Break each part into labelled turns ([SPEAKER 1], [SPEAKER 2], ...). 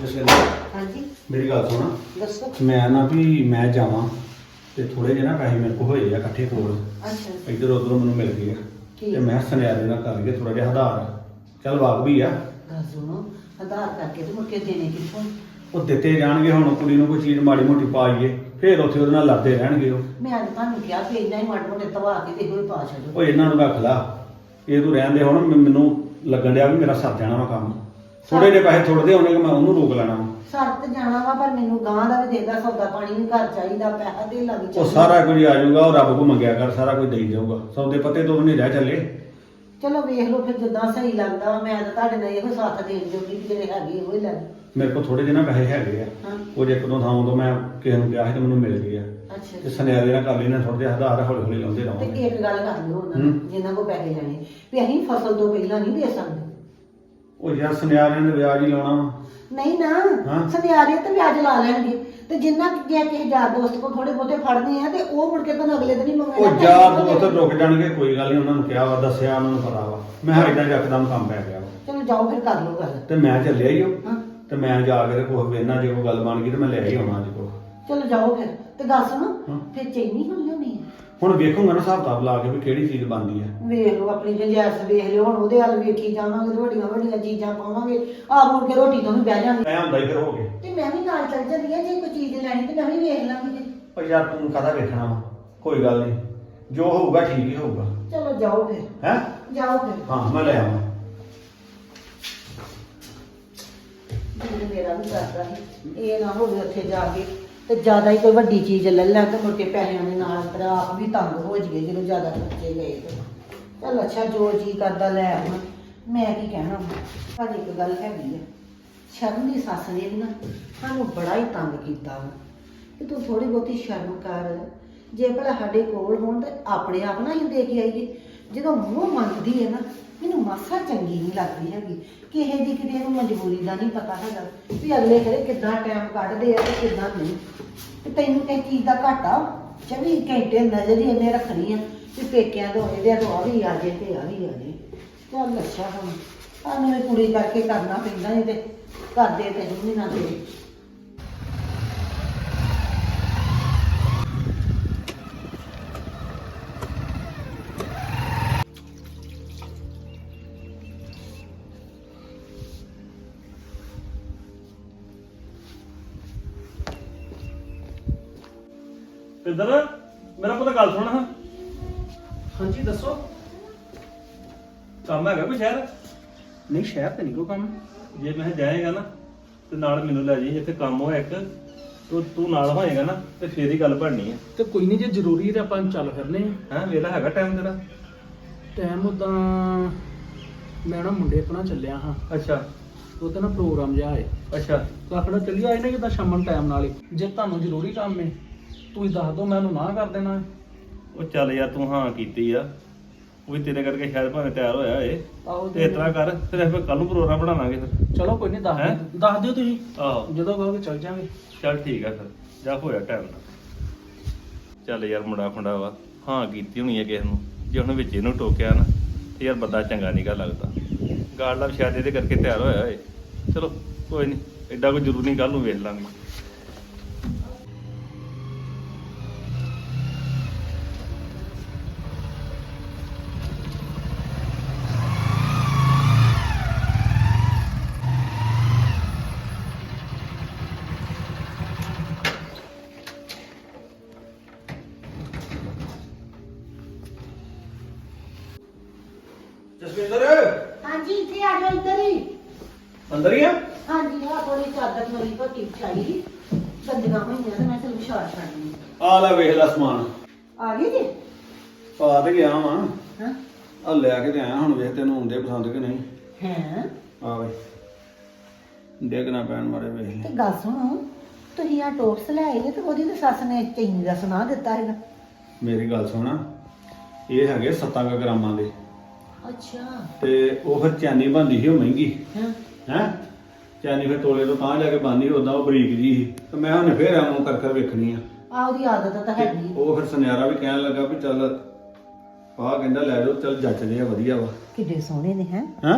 [SPEAKER 1] ਜਸਵਿੰਦਰ
[SPEAKER 2] ਹਾਂਜੀ
[SPEAKER 1] ਮੇਰੀ ਗੱਲ ਸੁਣ
[SPEAKER 2] ਦੱਸੋ।
[SPEAKER 1] ਮੈਂ ਨਾ ਵੀ ਮੈਂ ਜਾਵਾਂ ਤੇ ਥੋੜੇ ਜਿਹੇ ਨਾ ਪੈਸੇ ਮੇਰੇ ਕੋਲ ਹੋਏ ਆ ਇਕੱਠੇ ਕੋਲ
[SPEAKER 2] ਅੱਛਾ
[SPEAKER 1] ਇੱਧਰ ਉੱਧਰੋਂ ਮੈਨੂੰ ਮਿਲ ਗਏ ਆ
[SPEAKER 2] ਠੀਕ।
[SPEAKER 1] ਤੇ ਮੈਂ ਸੁਨਿਆਰੇ ਨਾਲ ਕਰ ਲਈਏ ਥੋੜਾ ਜਿਹਾ ਆਧਾਰ ਚੱਲ ਵਾਕ ਵੀ ਆ
[SPEAKER 2] ਗੱਲ ਸੁਣੋ, ਆਧਾਰ ਕਰਕੇ ਤੇ ਮੁੜ ਕੇ ਦੇਣੇ ਕਿੱਥੋਂ?
[SPEAKER 1] ਉਹ ਦਿੱਤੇ ਜਾਣਗੇ। ਹੁਣ ਕੁੜੀ ਨੂੰ ਕੋਈ ਚੀਜ਼ ਮਾੜੀ ਮੋਟੀ ਪਾਈਏ ਫੇਰ ਉੱਥੇ ਉਹਦੇ ਨਾਲ ਲੜਦੇ ਰਹਿਣਗੇ ਉਹ
[SPEAKER 2] ਮੈਂ ਅੱਜ ਤੁਹਾਨੂੰ ਕਿਹਾ ਕਿ ਇੰਨਾ ਹੀ ਮਾੜੇ ਮੋਟੇ ਤਵਾ ਕੇ ਤੇ ਕੋਈ ਪਾ ਛੱਡੋ।
[SPEAKER 1] ਉਹ ਇਹਨਾਂ ਨੂੰ ਰੱਖ ਲਾ। ਇਹ ਤੂੰ ਰਹਿਣ ਦੇ। ਹੁਣ ਮੈਨੂੰ ਲੱਗਣ ਡਿਆ ਵੀ ਮੇਰਾ ਸਰ ਜਾਣਾ ਵਾ ਕੰਮ। ਥੋੜੇ ਜਿਹੇ ਪੈਸੇ ਥੋੜਦੇ ਹੋਣੇ ਕਿ ਮੈਂ ਉਹਨੂੰ ਰੋਕ ਲੈਣਾ ਵਾ।
[SPEAKER 2] ਸਰ ਤੇ ਜਾਣਾ ਵਾ ਪਰ ਮੈਨੂੰ ਗਾਂ ਦਾ ਵੀ ਦੇਦਾ, ਸੌਦਾ ਪਾਣੀ ਵੀ ਘਰ ਚਾਹੀਦਾ, ਪੈਸਾ ਤੇ ਲੱਗ
[SPEAKER 1] ਉਹ
[SPEAKER 2] ਚਾਹੀਦਾ।
[SPEAKER 1] ਸਾਰਾ ਕੁਝ ਆ ਜਾਊਗਾ। ਉਹ ਰੱਬ ਕੋ ਮੰਗਿਆ ਕਰ, ਸਾਰਾ ਕੁਝ ਦੇਈ ਜਾਊਗਾ। ਸੌਦੇ ਪੱਤੇ ਤੋਂ ਵੀ ਨਹੀਂ ਰਹਿ ਚੱਲੇ।
[SPEAKER 2] ਚਲੋ ਵੇਖ ਲਓ ਫਿਰ ਜਿੱਦਾਂ ਸਹੀ ਲੱਗਦਾ ਵਾ। ਮੈਂ ਤਾਂ ਤੁਹਾਡੇ ਨਾਲ ਇਹੋ ਸਾਥ ਦੇਣ ਜੋਗੀ ਕਿ ਜਿਹੜੇ ਹੈਗੇ ਇਹੋ ਹੀ ਲੈ ਲਓ।
[SPEAKER 1] ਮੇਰੇ ਕੋਲ ਥੋੜੇ ਜਿਹੇ ਨਾ ਪੈਸੇ ਹੈਗੇ ਆ।
[SPEAKER 2] ਹਾਂ
[SPEAKER 1] ਉਹ ਜੇ ਇੱਕ ਦੋ ਥਾਂ ਤੋਂ ਮੈਂ ਕਿਸੇ ਨੂੰ ਕਿਹਾ ਸੀ ਤੇ ਮੈਨੂੰ ਮਿਲ ਗਏ ਆ।
[SPEAKER 2] ਅੱਛਾ
[SPEAKER 1] ਤੇ ਸੁਨਿਆਰੇ ਨਾਲ ਕਰ ਲੈਣਾ ਥੋੜੇ ਜਿਹੇ ਆਧਾਰ ਹੌਲੀ ਹੌਲੀ ਲਾਉਂਦੇ
[SPEAKER 2] ਤੇ
[SPEAKER 1] ਰਹਾਂਗੇ।
[SPEAKER 2] ਇੱਕ ਗੱਲ ਕਰ ਲਿਓ ਉਹਨਾਂ ਨੂੰ ਜਿਨ੍ਹਾਂ ਕੋ ਪੈਸੇ ਲੈਣੇ ਵੀ ਅਸੀਂ ਫਸਲ ਤੋਂ ਪਹਿਲਾਂ ਨਹੀਂ ਦੇ ਸਕਦੇ।
[SPEAKER 1] ਉਹ ਯਾਰ ਸੁਨਿਆਰਿਆਂ ਨੇ ਵਿਆਜ ਹੀ ਲਾਉਣਾ ਵਾ।
[SPEAKER 2] ਨਹੀਂ ਨਾ
[SPEAKER 1] ਹਾਂ।
[SPEAKER 2] ਸੁਨਿਆਰੇ ਤੇ ਵਿਆਜ ਲਾ ਲੈਣਗੇ ਤੇ ਜਿੰਨਾ ਜੇ ਕਿਸੇ ਯਾਰ ਦੋਸਤ ਕੋ ਥੋੜੇ ਬਹੁਤੇ ਫੜਨੇ ਆ ਤੇ ਉਹ ਮੁੜ ਕੇ ਤੁਹਾਨੂੰ ਅਗਲੇ ਦਿਨ ਹੀ ਮੰਗਣਾ।
[SPEAKER 1] ਉਹ ਯਾਰ ਦੋਸਤ ਰੁਕ ਜਾਣਗੇ, ਕੋਈ ਗੱਲ ਨਹੀਂ। ਉਹਨਾਂ ਨੂੰ ਕਿਹਾ ਵਾ, ਦੱਸਿਆ, ਉਹਨਾਂ ਨੂੰ ਪਤਾ ਵਾ। ਮੈਂ ਹਾਂ ਇਦਾਂ ਯਕਦਮ ਕੰਮ ਪੈ ਗਿਆ ਵਾ
[SPEAKER 2] ਚਲੋ ਜਾਓ ਫਿਰ ਕਰ ਲਓ ਗੱਲ।
[SPEAKER 1] ਤੇ ਮੈਂ ਚੱਲਿਆ ਹੀ ਉਹ।
[SPEAKER 2] ਹਾਂ
[SPEAKER 1] ਤੇ ਮੈਂ ਜਾ ਕੇ ਕੁਝ ਵੇਖਣਾ, ਜੇ ਕੋਈ ਗੱਲ ਬਣ ਗਈ ਤੇ ਮੈਂ ਲੈ ਹੀ ਆਉਣਾ ਅੱਜ ਕੋਲ।
[SPEAKER 2] ਚਲੋ ਜਾਓ ਫਿਰ ਤੇ ਗੱਲ ਸੁਣੋ
[SPEAKER 1] ਹਾਂ।
[SPEAKER 2] ਫਿਰ ਚੈਨੀ ਹੁਣ ਲਿਆਉਣੀ ਹੈ।
[SPEAKER 1] ਹੁਣ ਵੇਖੂੰਗਾ ਨਾ ਹਿਸਾਬ ਕਿਤਾਬ ਲਾ ਕੇ ਵੀ ਕਿਹੜੀ ਚੀਜ਼ ਬਣਦੀ ਆ।
[SPEAKER 2] ਵੇਖ ਲਓ ਆਪਣੀ ਗੁੰਜਾਇਸ਼ ਵੇਖ ਲਿਓ। ਹੁਣ ਉਹਦੇ ਵੱਲ ਵੇਖੀ ਜਾਵਾਂਗੇ ਤੇ ਵੱਡੀਆਂ ਵੱਡੀਆਂ ਚੀਜ਼ਾਂ ਪਾਵਾਂਗੇ। ਆਪ ਮੁੜ ਕੇ ਰੋਟੀ ਤੋਂ ਵੀ ਬਹਿ ਜਾਵਾਂਗੇ
[SPEAKER 1] ਮੈਂ ਹੁੰਦਾ ਹੀ ਫਿਰ ਹੋ ਗਏ।
[SPEAKER 2] ਤੇ ਮੈਂ ਵੀ ਨਾਲ ਚੱਲ ਜਾਂਦੀ ਆ। ਜੇ ਕੋਈ ਚੀਜ਼ ਲੈਣੀ ਤੇ ਮੈਂ ਵੀ ਵੇਖ ਲਾਂਗੀ ਜੀ।
[SPEAKER 1] ਉਹ ਯਾਰ ਤੂੰ ਕਾਹਦਾ ਵੇਖਣਾ ਵਾ, ਕੋਈ ਗੱਲ ਨਹੀਂ। ਜੋ ਹੋਊਗਾ ਠੀਕ ਹੀ ਹੋਊਗਾ।
[SPEAKER 2] ਚਲੋ ਜਾਓ ਫਿਰ।
[SPEAKER 1] ਹੈ
[SPEAKER 2] ਜਾਓ ਫਿਰ।
[SPEAKER 1] ਹਾਂ ਮੈਂ ਲੈ ਆਵਾਂ।
[SPEAKER 2] ਦਿਲ ਮੇਰਾ ਵੀ ਕਰਦਾ ਸੀ ਇਹ ਨਾ ਹੋਵੇ ਉੱਥੇ ਜਾ ਕੇ ਤੇ ਜ਼ਿਆਦਾ ਹੀ ਕੋਈ ਵੱਡੀ ਚੀਜ਼ ਲੈ ਲੈ ਤੇ ਮੁੜ ਕੇ ਪੈਸਿਆਂ ਦੇ ਨਾਲ ਫਿਰ ਆਪ ਵੀ ਤੰਗ ਹੋ ਜਾਈਏ ਜਦੋਂ ਜ਼ਿਆਦਾ ਖਰਚੇ ਗਏ ਤੇ। ਚੱਲ ਅੱਛਾ ਜੋ ਜੀ ਕਰਦਾ ਲੈ ਆਵਾਂ। ਮੈਂ ਕੀ ਕਹਿਣਾ ਪਰ ਇੱਕ ਗੱਲ ਹੈਗੀ ਆ। ਸ਼ਰਮ ਦੀ ਸੱਸ ਨੇ ਵੀ ਨਾ ਸਾਨੂੰ ਬੜਾ ਹੀ ਤੰਗ ਕੀਤਾ ਵਾ ਕਿ ਤੂੰ ਥੋੜੀ ਬਹੁਤੀ ਸ਼ਰਮ ਕਰ। ਜੇ ਭਲਾ ਸਾਡੇ ਕੋਲ ਹੋਣ ਤੇ ਆਪਣੇ ਆਪ ਨਾ ਹੀ ਦੇ ਕੇ ਆਈਏ। ਜਦੋਂ ਮੂੰਹ ਮੰਗਦੀ ਹੈ ਨਾ ਮੈਨੂੰ ਮਾਸਾ ਚੰਗੀ ਨਹੀਂ ਲੱਗਦੀ ਹੈਗੀ। ਕਿਸੇ ਦੀ ਕਿਤੇ ਨੂੰ ਮਜਬੂਰੀ ਦਾ ਨਹੀਂ ਪਤਾ ਹੈਗਾ ਵੀ ਅਗਲੇ ਘਰੇ ਕਿੱਦਾਂ ਟਾਈਮ ਕੱਢਦੇ ਆ ਤੇ ਕਿੱਦਾਂ ਨਹੀਂ। ਤੇ ਤੈਨੂੰ ਕਿਸੇ ਚੀਜ਼ ਦਾ ਘਾਟਾ 24 ਘੰਟੇ ਨਜ਼ਰ ਹੀ ਇਹਨੇ ਰੱਖਣੀ ਆ ਵੀ ਪੇਕਿਆਂ ਤੋਂ ਇਹਦੇ ਤੋਂ ਆ ਵੀ ਆ ਜੇ ਤੇ ਆ ਵੀ ਆ ਜੇ। ਚੱਲ ਅੱਛਾ ਹੁਣ ਸਾਨੂੰ ਇਹ ਕੁੜੀ ਕਰਕੇ ਕਰਨਾ ਪੈਂਦਾ ਨਹੀਂ ਤੇ ਕਰਦੇ ਤੇ ਨਹੀਂ ਨਾ ਦੇ।
[SPEAKER 3] ਪਿੰਦਰ ਮੇਰਾ ਪੁੱਤ ਗੱਲ ਸੁਣ। ਹਾਂ
[SPEAKER 4] ਹਾਂਜੀ ਦੱਸੋ।
[SPEAKER 3] ਕੰਮ ਹੈਗਾ ਕੋਈ ਸ਼ਹਿਰ?
[SPEAKER 4] ਨਹੀਂ ਸ਼ਹਿਰ ਤੇ ਨਹੀਂ ਕੋਈ ਕੰਮ।
[SPEAKER 3] ਜੇ ਮੈਂ ਜਾਏਗਾ ਨਾ ਤੇ ਨਾਲ ਮੈਨੂੰ ਲੈ ਜੀ। ਇੱਥੇ ਕੰਮ ਹੋਇਆ ਇੱਕ ਤੂੰ ਨਾਲ ਹੋਏਗਾ ਨਾ ਤੇ ਫੇਰ ਹੀ ਗੱਲ ਬਣਨੀ ਹੈ।
[SPEAKER 4] ਤੇ ਕੋਈ ਨਹੀਂ ਜੇ ਜ਼ਰੂਰੀ ਤੇ ਆਪਾਂ ਚੱਲ ਫਿਰਨੇ ਆ।
[SPEAKER 3] ਹੈਂ ਵੇਲਾ ਹੈਗਾ ਟਾਈਮ ਤੇਰਾ?
[SPEAKER 4] ਟਾਈਮ ਉਦਾਂ ਮੈਂ ਨਾ ਮੁੰਡੇ ਆਪਣਾ ਚੱਲਿਆ ਹਾਂ।
[SPEAKER 3] ਅੱਛਾ
[SPEAKER 4] ਉਹਦਾ ਨਾ ਪ੍ਰੋਗਰਾਮ ਜਿਹਾ ਹੈ
[SPEAKER 3] ਅੱਛਾ
[SPEAKER 4] ਤਾਂ ਆਪਣਾ ਚੱਲੀ ਆਏ ਨੇ ਕਿਦਾਂ ਸ਼ਾਮ ਨੂੰ ਟਾਈਮ ਨਾਲ ਹੀ। ਜੇ ਤੁਹਾਨੂੰ ਜ਼ਰੂਰੀ ਕੰਮ ਹੈ ਤੁਸੀਂ ਦੱਸ ਦਿਓ, ਮੈਂ ਉਹਨੂੰ ਨਾ ਕਰ ਦੇਣਾ।
[SPEAKER 3] ਉਹ ਚੱਲ ਯਾਰ ਤੂੰ ਹਾਂ ਕੀਤੀ ਆ। ਉਹ ਵੀ ਤੇਰੇ ਕਰਕੇ ਸ਼ਾਇਦ ਭਾਵੇਂ ਤਿਆਰ ਹੋਇਆ ਏ।
[SPEAKER 4] ਆਹੋ
[SPEAKER 3] ਤੇ ਇਸ ਤਰ੍ਹਾਂ ਕਰ ਫਿਰ ਆਪਾਂ ਕੱਲ ਨੂੰ ਪ੍ਰੋਗਰਾਮ ਬਣਾ ਲਾਂਗੇ ਫਿਰ।
[SPEAKER 4] ਚਲੋ ਕੋਈ ਨਹੀਂ
[SPEAKER 3] ਹੈਂ?
[SPEAKER 4] ਦੱਸ ਦਿਓ ਤੁਸੀਂ
[SPEAKER 3] ਆਹੋ
[SPEAKER 4] ਜਦੋਂ ਕਹੋਗੇ ਚੱਲ ਜਾਵਾਂਗੇ।
[SPEAKER 3] ਚੱਲ ਠੀਕ ਆ ਫਿਰ ਜਾ ਹੋਇਆ ਟਾਈਮ ਨਾਲ। ਚੱਲ ਯਾਰ ਮੁੰਡਾ ਖੁੰਡਾ ਵਾ ਹਾਂ ਕੀਤੀ ਹੋਣੀ ਹੈ ਕਿਸੇ ਨੂੰ। ਜੇ ਉਹਨੇ ਵਿੱਚ ਇਹਨੂੰ ਟੋਕਿਆ ਨਾ ਤੇ ਯਾਰ ਬੰਦਾ ਚੰਗਾ ਨਹੀਂ ਗਾ ਲੱਗਦਾ। ਗਾਲ ਦਾ ਸ਼ਾਇਦ ਇਹਦੇ ਕਰਕੇ ਤਿਆਰ ਹੋਇਆ ਏ। ਚਲੋ ਕੋਈ ਨਹੀਂ, ਐਡਾ ਕੋਈ ਜ਼ਰੂਰੀ ਨਹੀਂ, ਕੱਲ ਨੂੰ ਵੇਖ ਲਾਂਗੇ।
[SPEAKER 1] ਜਸਵਿੰਦਰ
[SPEAKER 2] ਹਾਂਜੀ ਇੱਥੇ ਆ ਜਾਓ ਇੱਧਰ ਹੀ।
[SPEAKER 1] ਅੰਦਰ ਹੀ ਆ।
[SPEAKER 2] ਹਾਂਜੀ ਆ ਥੋੜੀ ਚਾਦਰ ਮੇਰੀ ਭੱਟੀ ਵਿਛਾਈ ਗੰਦੀਆਂ ਹੋਈਆਂ ਤੇ ਮੈਂ ਚਲ ਵਿਛਾ ਛੱਡਣੀ।
[SPEAKER 1] ਆ ਲੈ ਵੇਖ ਲੈ ਸਮਾਨ
[SPEAKER 2] ਆ ਗਏ ਜੀ?
[SPEAKER 1] ਪਾ ਤੇ ਗਿਆ ਵਾਂ।
[SPEAKER 2] ਹਾਂ
[SPEAKER 1] ਆ ਲੈ ਕੇ ਤੇ ਆਇਆ। ਹੁਣ ਵੇਖ ਤੈਨੂੰ ਹੁੰਦੇ ਪਸੰਦ ਕਿ ਨਹੀਂ।
[SPEAKER 2] ਹੈ
[SPEAKER 1] ਆ ਵੇ ਡੇਗ ਨਾ ਪੈਣ ਮਾਰੇ ਵੇਖ ਲੈ।
[SPEAKER 2] ਤੇ ਗੱਲ ਸੁਣੋ ਤੁਸੀਂ ਆ ਟੋਪਸ ਲੈ ਆਏ ਤੇ ਉਹਦੀ ਤੇ ਸੱਸ ਨੇ ਚੈਨੀ ਦਾ ਸੁਣਾ ਦਿੱਤਾ ਹੈਗਾ।
[SPEAKER 1] ਮੇਰੀ ਗੱਲ ਸੁਣ, ਇਹ ਹੈਗੇ 7 ਗ੍ਰਾਮਾਂ ਦੇ
[SPEAKER 2] ਅੱਛਾ
[SPEAKER 1] ਤੇ ਉਹ ਫਿਰ ਚੈਨੀ ਬਣਦੀ ਸੀ ਉਹ ਮਹਿੰਗੀ
[SPEAKER 2] ਹਾਂ
[SPEAKER 1] ਹੈ। ਚੈਨੀ ਫਿਰ ਤੋਲੇ ਤੋਂ ਤਾਂ ਜਾ ਕੇ ਬਣਦੀ ਉਦਾਂ ਉਹ ਬਰੀਕ ਜੀ ਸੀ ਤੇ ਮੈਂ ਉਹਨੇ ਫੇਰ ਐਵੇਂ ਕਰ ਵੇਖਣੀ ਆ।
[SPEAKER 2] ਆ ਉਹਦੀ ਆਦਤ ਤਾਂ ਹੈਗੀ।
[SPEAKER 1] ਉਹ ਫਿਰ ਸੁਨਿਆਰਾ ਵੀ ਕਹਿਣ ਲੱਗਾ ਵੀ ਚੱਲ ਆਹ ਕਹਿੰਦਾ ਲੈ ਜਾਓ, ਚੱਲ ਜੱਚਦੇ ਆ ਵਧੀਆ ਵਾ।
[SPEAKER 2] ਕਿੱਡੇ ਸੋਹਣੇ ਨੇ ਹੈ।
[SPEAKER 1] ਹੈਂ